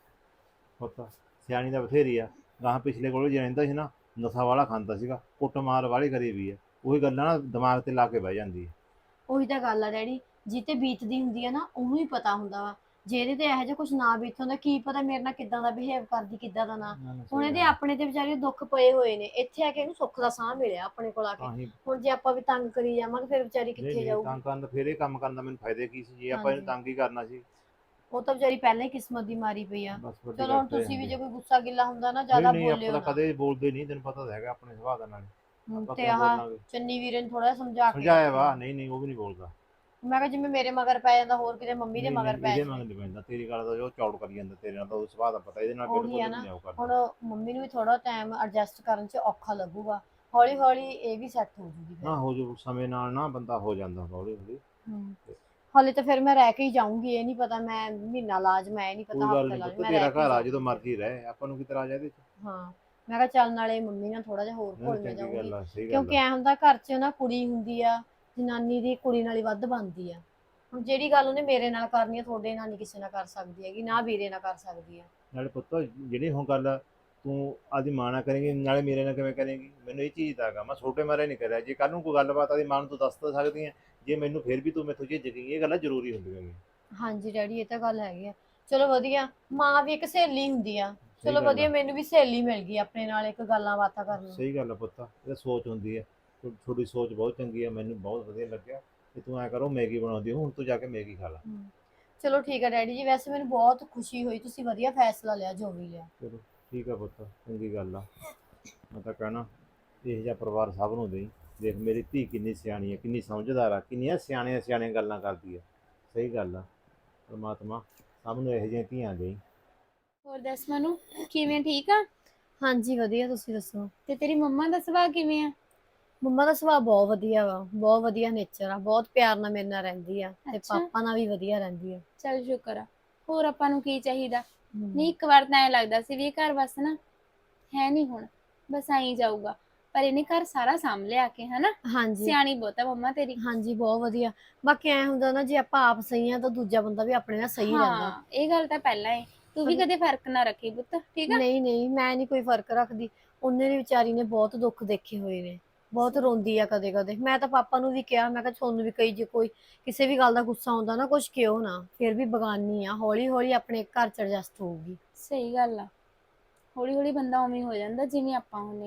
Speaker 2: ਪੁੱਤ ਸਿਆਣੀ ਦਾ ਬਥੇਰੀ ਆ। ਗਾਹਾਂ ਪਿਛਲੇ ਕੋਲ ਜੇ ਰਹਿੰਦਾ ਸੀ ਨਾ, ਨਸ਼ਾ ਵਾਲਾ ਖਾਂਦਾ ਸੀਗਾ, ਕੁੱਟਮਾਰ ਵਾਲੀ ਕਰੀ ਵੀ ਹੈ। ਉਹੀ ਗੱਲਾਂ ਨਾ ਦਿਮਾਗ ਤੇ ਲਾ ਕੇ ਬਹਿ ਜਾਂਦੀ ਹੈ।
Speaker 5: ਉਹੀ ਤਾਂ ਗੱਲ ਆ ਡੈਡੀ, ਜਿੱਤੇ ਬੀਤਦੀ ਹੁੰਦੀ ਆ ਨਾ ਉਹਨੂੰ ਹੀ ਪਤਾ ਹੁੰਦਾ ਵਾ। ਜੇ ਇਹਦੇ ਤੇ ਇਹੋ ਜਿਹਾ ਕੁਝ ਨਾ ਬੀਤ ਹੁੰਦਾ, ਕੀ ਪਤਾ ਮੇਰੇ ਨਾਲ ਕਿੱਦਾਂ ਦਾ ਬਿਹੇਵ ਕਰਦੀ, ਕਿੱਦਾਂ ਦਾ ਨਾ।
Speaker 2: ਨਾ, ਨਾ,
Speaker 5: ਹੁਣ
Speaker 2: ਸਹੀ
Speaker 5: ਇਹਦੇ
Speaker 2: ਗੱਲ ਆ।
Speaker 5: ਆਪਣੇ ਤੇ ਵਿਚਾਰੇ ਦੁੱਖ ਪਏ ਹੋਏ ਨੇ, ਇੱਥੇ ਆ ਕੇ ਇਹਨੂੰ ਸੁੱਖ ਦਾ ਸਾਹ ਮਿਲਿਆ ਆਪਣੇ ਕੋਲ ਆ ਕੇ।
Speaker 2: ਤਾਂ ਹੀ
Speaker 5: ਹੁਣ ਜੇ ਆਪਾਂ ਵੀ ਤੰਗ ਕਰੀ ਜਾਵਾਂਗੇ ਫਿਰ ਵਿਚਾਰੀ
Speaker 2: ਨਹੀਂ
Speaker 5: ਕਿੱਥੇ
Speaker 2: ਨਹੀਂ,
Speaker 5: ਜਾਊਗੀ।
Speaker 2: ਤੰਗ ਕਰਨ ਦਾ ਫਿਰ ਇਹ ਕੰਮ ਕਰਨ ਦਾ ਮੈਨੂੰ ਫਾਇਦਾ ਕੀ ਸੀ ਜੇ ਆਪਾਂ ਇਹਨੂੰ
Speaker 5: ਹਾਂਜੀ,
Speaker 2: ਤੰਗ ਹੀ ਕਰਨਾ ਸੀ।
Speaker 5: ਉਹ ਤਾਂ ਵਿਚਾਰੀ ਪਹਿਲਾਂ ਹੀ ਕਿਸਮਤ ਦੀ ਮਾਰੀ ਪਈ ਆ।
Speaker 2: ਬਸ ਵੱਡੀ
Speaker 5: ਚਲੋ
Speaker 2: ਗੱਲ
Speaker 5: ਹੁਣ
Speaker 2: ਤਾਂ ਇਹ
Speaker 5: ਤੁਸੀਂ ਵੀ
Speaker 2: ਹੁੰਦੀ
Speaker 5: ਜੇ
Speaker 2: ਹੈ।
Speaker 5: ਕੋਈ ਗੁੱਸਾ ਗਿੱਲਾ ਹੁੰਦਾ ਨਾ
Speaker 2: ਨਹੀਂ
Speaker 5: ਜ਼ਿਆਦਾ
Speaker 2: ਨਹੀਂ, ਆਪਾਂ
Speaker 5: ਬੋਲਿਓ
Speaker 2: ਤਾਂ
Speaker 5: ਨਾ।
Speaker 2: ਕਦੇ ਬੋਲਦੇ ਨਹੀਂ, ਤੈਨੂੰ ਪਤਾ ਤਾਂ ਹੈਗਾ ਆਪਣੇ ਸੁਭਾਅ ਦਾ। ਨਾਲ
Speaker 5: ਹਮ,
Speaker 2: ਆਪਾਂ
Speaker 5: ਤੇ
Speaker 2: ਕਿਉਂ
Speaker 5: ਆਹ
Speaker 2: ਬੋਲਾਂਗੇ।
Speaker 5: ਚੰਨੀ ਵੀਰੇ ਨੂੰ ਥੋੜਾ ਸਮਝਾ ਕੇ
Speaker 2: ਸਮਝਾਇਆ
Speaker 5: ਰੱਖਿਓ।
Speaker 2: ਵਾ, ਨਹੀਂ ਨਹੀਂ, ਉਹ ਵੀ ਨਹੀਂ ਬੋਲਦਾ।
Speaker 5: ਮੈਂ ਕਿਹਾ ਜਿਵੇਂ ਮੇਰੇ ਮਗਰ ਪੈ ਜਾਂਦਾ, ਹੋਰ ਕਿਤੇ ਮੰਮੀ ਦੇ
Speaker 2: ਨਹੀਂ
Speaker 5: ਮਗਰ
Speaker 2: ਨਹੀਂ,
Speaker 5: ਪੈ
Speaker 2: ਇਹਦੇ
Speaker 5: ਜਾਵੇ।
Speaker 2: ਮਗਰ ਨਹੀਂ ਪੈਂਦਾ, ਤੇਰੀ ਗੱਲ ਦਾ ਜੋ ਚੌੜ ਕਰੀ ਜਾਂਦਾ, ਤੇਰੇ ਨਾਲ ਤਾਂ ਉਹ ਸੁਭਾਅ ਦਾ ਪਤਾ, ਇਹਦੇ ਨਾਲ
Speaker 5: ਉਹੀ
Speaker 2: ਬਿਲਕੁਲ
Speaker 5: ਆ
Speaker 2: ਵੀ
Speaker 5: ਨਾ,
Speaker 2: ਨਹੀਂ ਉਹ
Speaker 5: ਹੁਣ
Speaker 2: ਕਰਦਾ।
Speaker 5: ਮੰਮੀ ਨੂੰ ਵੀ ਥੋੜਾ ਟਾਈਮ ਐਡਜਸਟ ਕਰਨ 'ਚ ਔਖਾ ਲੱਗੂਗਾ। ਹੌਲੀ ਹੌਲੀ ਇਹ ਵੀ ਸੈੱਟ ਹੋ ਜੂਗੀ ਫਿਰ।
Speaker 2: ਨਾ ਹੋ ਜੋ ਸਮੇਂ ਨਾਲ ਨਾ ਬੰਦਾ ਹੋ ਜਾਂਦਾ ਹੌਲੀ ਹੌਲੀ।
Speaker 5: ਹੂੰ, ਹਾਲੇ ਤਾਂ ਫਿਰ ਮੈਂ ਰਹਿ ਕੇ ਹੀ ਜਾਊਂਗੀ। ਇਹ ਨਹੀਂ ਪਤਾ ਮੈਂ ਮਹੀਨਾ ਲਾਜ, ਮੈਂ ਇਹ ਨਹੀਂ
Speaker 2: ਕੋਈ
Speaker 5: ਪਤਾ
Speaker 2: ਗੱਲ
Speaker 5: ਹਫਤਾ
Speaker 2: ਨਹੀਂ
Speaker 5: ਲਾਜ,
Speaker 2: ਪੁੱਤ,
Speaker 5: ਮੈਂ ਰਹਿ
Speaker 2: ਤੇਰਾ
Speaker 5: ਕੇ ਹੀ
Speaker 2: ਘਰ ਆ, ਜਦੋਂ
Speaker 5: ਜਾਊਂਗੀ ਫਿਰ।
Speaker 2: ਮਰਜ਼ੀ ਰਹਿ, ਆਪਾਂ ਨੂੰ ਕੀ ਤਰ੍ਹਾਂ ਇਹਦੇ ਚ।
Speaker 5: ਹਾਂ, ਮੈਂ ਕਿਹਾ ਚੱਲ ਨਾਲੇ ਮੰਮੀ ਨਾਲ ਥੋੜਾ ਜਿਹਾ ਹੋਰ
Speaker 2: ਨਹੀਂ
Speaker 5: ਘੁਲ ਮਿਲ
Speaker 2: ਚੰਗੀ
Speaker 5: ਜਾਊਂਗੀ।
Speaker 2: ਗੱਲ ਆ, ਸਹੀ ਗੱਲ
Speaker 5: ਕਿਉਂਕਿ
Speaker 2: ਆ।
Speaker 5: ਐ ਹੁੰਦਾ ਘਰ 'ਚ ਨਾ ਕੁੜੀ ਹੁੰਦੀ ਆ, ਜਨਾਨੀ ਦੀ ਕੁੜੀ ਨਾਲ ਹੀ ਵੱਧ ਬਣਦੀ ਆ। ਹੁਣ ਜਿਹੜੀ ਗੱਲ ਉਹਨੇ ਮੇਰੇ ਨਾਲ ਕਰਨੀ ਆ, ਤੁਹਾਡੇ ਨਾਲ ਨਹੀਂ ਕਿਸੇ ਨਾਲ ਕਰ ਸਕਦੀ ਹੈਗੀ, ਨਾ ਵੀਰੇ ਨਾਲ ਕਰ ਸਕਦੀ ਆ।
Speaker 2: ਨਾਲੇ ਪੁੱਤ ਜਿਹੜੀ ਹੁਣ ਗੱਲ ਤੂੰ ਆਦੀ ਮਾਂ ਨਾਲ ਕਰੇਂਗੀ, ਨਾਲੇ ਮੇਰੇ ਨਾਲ ਕਿਵੇਂ ਕਰੇਂਗੀ, ਮੈਨੂੰ ਇਹ ਚੀਜ਼ ਦਾ ਹੈਗਾ। ਮੈਂ ਛੋਟੇ ਮਾਰੇ ਨਹੀਂ ਕਰਿਆ। ਜੇ ਕੱਲ ਨੂੰ ਕੋਈ ਗੱਲਬਾਤ ਆਦੀ ਮਾਂ ਨੂੰ ਤੂੰ ਦੱਸ ਤਾਂ ਸਕਦੀ ਹੈ, ਜੇ ਮੈਨੂੰ ਫਿਰ ਵੀ ਤੂੰ ਮੈਥੋਂ ਝਿਜਕੇਂਗੀ, ਇਹ ਗੱਲਾਂ ਜ਼ਰੂਰੀ ਹੁੰਦੀਆਂ ਨੇ।
Speaker 5: ਹਾਂਜੀ ਡੈਡੀ, ਇਹ ਤਾਂ ਗੱਲ ਹੈਗੀ ਆ। ਚਲੋ ਵਧੀਆ, ਮਾਂ ਵੀ ਇੱਕ ਸਹੇਲੀ ਹੁੰਦੀ ਆ।
Speaker 2: ਸਹੀ
Speaker 5: ਚਲੋ
Speaker 2: ਗੱਲ
Speaker 5: ਵਧੀਆ,
Speaker 2: ਆ,
Speaker 5: ਮੈਨੂੰ ਵੀ ਸਹੇਲੀ ਮਿਲ ਗਈ ਆਪਣੇ ਨਾਲ ਇੱਕ ਗੱਲਾਂ ਬਾਤਾਂ ਕਰਨ ਨੂੰ।
Speaker 2: ਸਹੀ ਗੱਲ ਆ ਪੁੱਤ, ਇਹ ਸੋਚ ਹੁੰਦੀ ਹੈ। ਤੁ- ਤੁਹਾਡੀ ਸੋਚ ਬਹੁਤ ਚੰਗੀ ਹੈ, ਮੈਨੂੰ ਬਹੁਤ ਵਧੀਆ ਲੱਗਿਆ। ਤੇ ਤੂੰ ਐ ਕਰੋ, ਮੈਗੀ ਬਣਾਉਂਦੀ ਹੋ, ਹੁਣ ਤੂੰ ਜਾ ਕੇ ਮੈਗੀ ਖਾ ਲੈ।
Speaker 5: ਹਮ, ਚਲੋ ਠੀਕ ਹੈ ਡੈਡੀ ਜੀ। ਵੈਸੇ ਮੈਨੂੰ ਬਹੁਤ ਖੁਸ਼ੀ ਹੋਈ, ਤੁਸੀਂ ਵਧੀਆ ਫੈਸਲਾ ਲਿਆ ਜੋ ਵੀ ਲਿਆ।
Speaker 2: ਚਲੋ ਠੀਕ ਆ ਪੁੱਤ, ਚੰਗੀ ਗੱਲ ਆ। ਮੈਂ ਤਾਂ ਕਹਿਣਾ ਇਹੋ ਜਿਹਾ ਪਰਿਵਾਰ ਸਭ ਨੂੰ ਦੇਈ। ਦੇਖ ਮੇਰੀ ਧੀ ਕਿੰਨੀ ਸਿਆਣੀ ਹੈ, ਕਿੰਨੀ ਸਮਝਦਾਰ ਆ, ਕਿੰਨੀਆਂ ਸਿਆਣੀਆਂ ਸਿਆਣੀਆਂ ਗੱਲਾਂ ਕਰਦੀ ਹੈ। ਸਹੀ ਗੱਲ ਆ। ਪਰਮਾਤਮਾ ਸਭ ਨੂੰ ਇਹੋ ਜਿਹੀਆਂ ਧੀਆਂ ਦੇਈ।
Speaker 1: ਹੋਰ ਦੱਸ ਮਨੂ, ਕਿਵੇਂ, ਠੀਕ ਆ?
Speaker 5: ਹਾਂਜੀ ਵਧੀਆ, ਤੁਸੀਂ ਦੱਸੋ?
Speaker 1: ਤੇ ਤੇਰੀ ਮੰਮਾ ਦਾ ਸੁਭਾਅ ਕਿਵੇਂ ਆ?
Speaker 5: ਮੰਮਾ ਦਾ ਸੁਭਾਅ ਬਹੁਤ ਵਧੀਆ ਵਾ, ਬਹੁਤ ਵਧੀਆ ਨੇਚਰ ਆ, ਬਹੁਤ ਪਿਆਰ ਨਾਲ ਮੇਰੇ ਨਾਲ ਰਹਿੰਦੀ ਆ, ਤੇ
Speaker 1: ਅੱਛਾ,
Speaker 5: ਪਾਪਾ ਨਾਲ ਵੀ ਵਧੀਆ ਰਹਿੰਦੀ ਆ।
Speaker 1: ਚੱਲ ਸ਼ੁਕਰ ਆ। ਹੋਰ ਆਪਾਂ ਨੂੰ ਕੀ ਚਾਹੀਦਾ?
Speaker 5: ਹਮ,
Speaker 1: ਨਹੀਂ, ਇੱਕ ਵਾਰ ਤਾਂ ਐ ਲੱਗਦਾ ਸੀ ਵੀ ਇਹ ਘਰ ਬਸ ਨਾ ਹੈ ਨਹੀਂ, ਹੁਣ ਬਸ ਆਈ ਜਾਊਗਾ, ਪਰ ਇਹਨੇ ਘਰ ਸਾਰਾ ਸਾਂਭ ਲਿਆ ਕੇ, ਹਨਾ।
Speaker 5: ਹਾਂਜੀ
Speaker 1: ਸਿਆਣੀ ਬਹੁਤ ਆ ਮੰਮਾ ਤੇਰੀ।
Speaker 5: ਹਾਂਜੀ, ਬਹੁਤ ਵਧੀਆ। ਬਾਕੀ ਐ ਹੁੰਦਾ ਨਾ, ਜੇ ਆਪਾਂ ਆਪ ਸਹੀ ਆ ਤਾਂ ਦੂਜਾ ਬੰਦਾ ਵੀ ਆਪਣੇ ਨਾਲ ਸਹੀ ਰਹਿੰਦਾ।
Speaker 1: ਹਾਂ, ਇਹ ਗੱਲ ਤਾਂ ਪਹਿਲਾਂ ਏ। ਤੂੰ ਵੀ
Speaker 5: ਪਰ
Speaker 1: ਕਦੇ ਫਰਕ ਨਾ ਰੱਖੀ ਪੁੱਤ, ਠੀਕ ਆ?
Speaker 5: ਨਹੀਂ ਨਹੀਂ, ਮੈਂ ਨਹੀਂ ਕੋਈ ਫਰਕ ਰੱਖਦੀ। ਉਹਨੇ ਵੀ ਵਿਚਾਰੀ ਨੇ ਬਹੁਤ ਦੁੱਖ ਦੇਖੇ ਹੋਏ ਨੇ, ਬਹੁਤ ਰੋਂਦੀ ਆ ਕਦੇ ਕਦੇ। ਮੈਂ ਤਾਂ ਪਾਪਾ ਨੂੰ ਵੀ ਕਿਹਾ, ਮੈਂ ਕਿਹਾ ਤੁਹਾਨੂੰ ਵੀ ਕਈ ਜੇ ਕੋਈ ਕਿਸੇ ਵੀ ਗੱਲ ਦਾ ਗੁੱਸਾ ਆਉਂਦਾ ਨਾ, ਕੁਛ ਕਿਉਂ ਨਾ, ਫਿਰ ਵੀ ਬਗਾਨੀ ਆ, ਹੌਲੀ ਹੌਲੀ ਆਪਣੇ ਘਰ ਚ ਐਡਜਸਟ ਹੋਊਗੀ।
Speaker 1: ਸਹੀ ਗੱਲ ਆ। ਹੌਲੀ ਹੌਲੀ ਬੰਦਾ ਉਵੇਂ ਹੋ ਜਾਂਦਾ ਜਿਵੇਂ ਆਪਾਂ ਹੁੰਨੇ ਆ।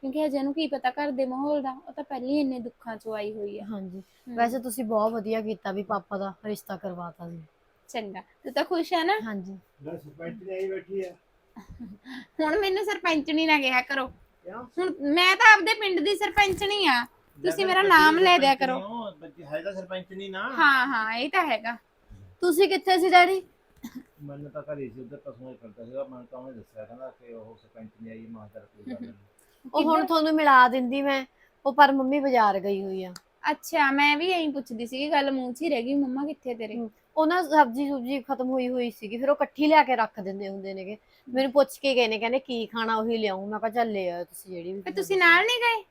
Speaker 1: ਕਿਉਂਕਿ ਹਜੇ ਉਹਨੂੰ ਕੀ ਪਤਾ ਘਰ ਦੇ ਮਾਹੌਲ ਦਾ, ਉਹ ਤਾਂ ਪਹਿਲਾਂ ਹੀ ਇੰਨੇ ਦੁੱਖਾਂ ਚੋਂ ਆਈ ਹੋਈ ਆ।
Speaker 5: ਹਾਂਜੀ
Speaker 1: ਹਮ,
Speaker 5: ਵੈਸੇ ਤੁਸੀਂ ਬਹੁਤ ਵਧੀਆ ਕੀਤਾ ਵੀ ਪਾਪਾ ਦਾ ਰਿਸ਼ਤਾ ਕਰਵਾਤਾ ਜੀ।
Speaker 1: ਚੰਗਾ, ਤੂੰ ਤਾਂ ਖੁਸ਼ ਹੈ ਨਾ?
Speaker 5: ਹਾਂਜੀ
Speaker 2: ਲੈ ਸਰਪੰਚ ਨੇ ਆਈ ਬੈਠੀ ਆ।
Speaker 1: ਹੁਣ ਮੈਨੂੰ ਸਰਪੰਚਣੀ ਨਾ ਕਿਹਾ ਕਰੋ,
Speaker 2: ਕਿਉਂ?
Speaker 1: ਹੁਣ ਮੈਂ ਤਾਂ ਆਪਦੇ ਪਿੰਡ ਦੀ ਸਰਪੰਚਣੀ ਆ, ਤੁਸੀਂ ਮੇਰਾ ਨਾਮ ਲੈ ਦਿਆ ਕਰੋ।
Speaker 2: ਬੱਚੀ ਹੈ ਤਾਂ ਸਰਪੰਚ ਨਹੀਂ ਨਾ।
Speaker 1: ਹਾਂ ਹਾਂ ਇਹ ਤਾਂ ਹੈਗਾ।
Speaker 5: ਤੁਸੀਂ ਕਿੱਥੇ ਸੀ ਡੈਡੀ?
Speaker 2: ਮੈਨੂੰ ਤਾਂ ਘਰੇ ਸੀ ਉਧਰ ਪਸ਼ੂਆਂ ਹੀ ਕਰਦਾ ਸੀਗਾ, ਮੈਨੂੰ ਤਾਂ ਉਹਨੇ ਦੱਸਿਆ ਕਹਿੰਦਾ ਕਿ ਉਹ ਸਰਪੰਚ ਨਹੀਂ ਆਈ। ਮਾਂ ਚੱਲ ਕੋਈ ਗੱਲ ਨਹੀਂ।
Speaker 5: ਉਹ ਹੁਣ ਤੁਹਾਨੂੰ ਮਿਲਾ ਦਿੰਦੀ ਮੈਂ, ਉਹ ਪਰ ਮੰਮੀ ਬਾਜ਼ਾਰ ਗਈ ਹੋਈ ਆ।
Speaker 1: ਅੱਛਾ, ਮੈਂ ਵੀ ਇਹੀ ਪੁੱਛਦੀ ਸੀ, ਗੱਲ ਮੂੰਹ 'ਚ ਹੀ ਰਹਿ ਗਈ, ਮੰਮਾ ਕਿੱਥੇ ਤੇਰੇ?
Speaker 5: ਹਮ, ਉਹ ਨਾ ਸਬਜ਼ੀ ਸੁਬਜੀ ਖਤਮ ਹੋਈ ਹੋਈ ਸੀਗੀ, ਫਿਰ ਉਹ ਇਕੱਠੀ ਲਿਆ ਕੇ ਰੱਖ ਦਿੰਦੇ ਹੁੰਦੇ ਨੇਗੇ। ਮੈਨੂੰ ਪੁੱਛ ਕੇ ਗਏ ਨੇ, ਕਹਿੰਦੇ ਕੀ ਖਾਣਾ ਉਹੀ ਲਿਆਉਂ। ਮੈਂ ਕਿਹਾ ਚੱਲ ਲੈ ਆਓ ਤੁਸੀਂ ਜਿਹੜੀ ਵੀ
Speaker 1: ਤੇ
Speaker 5: ਖਾਣੀ
Speaker 1: ਤੁਸੀਂ ਨਾਲ ਨਹੀਂ ਗਏ?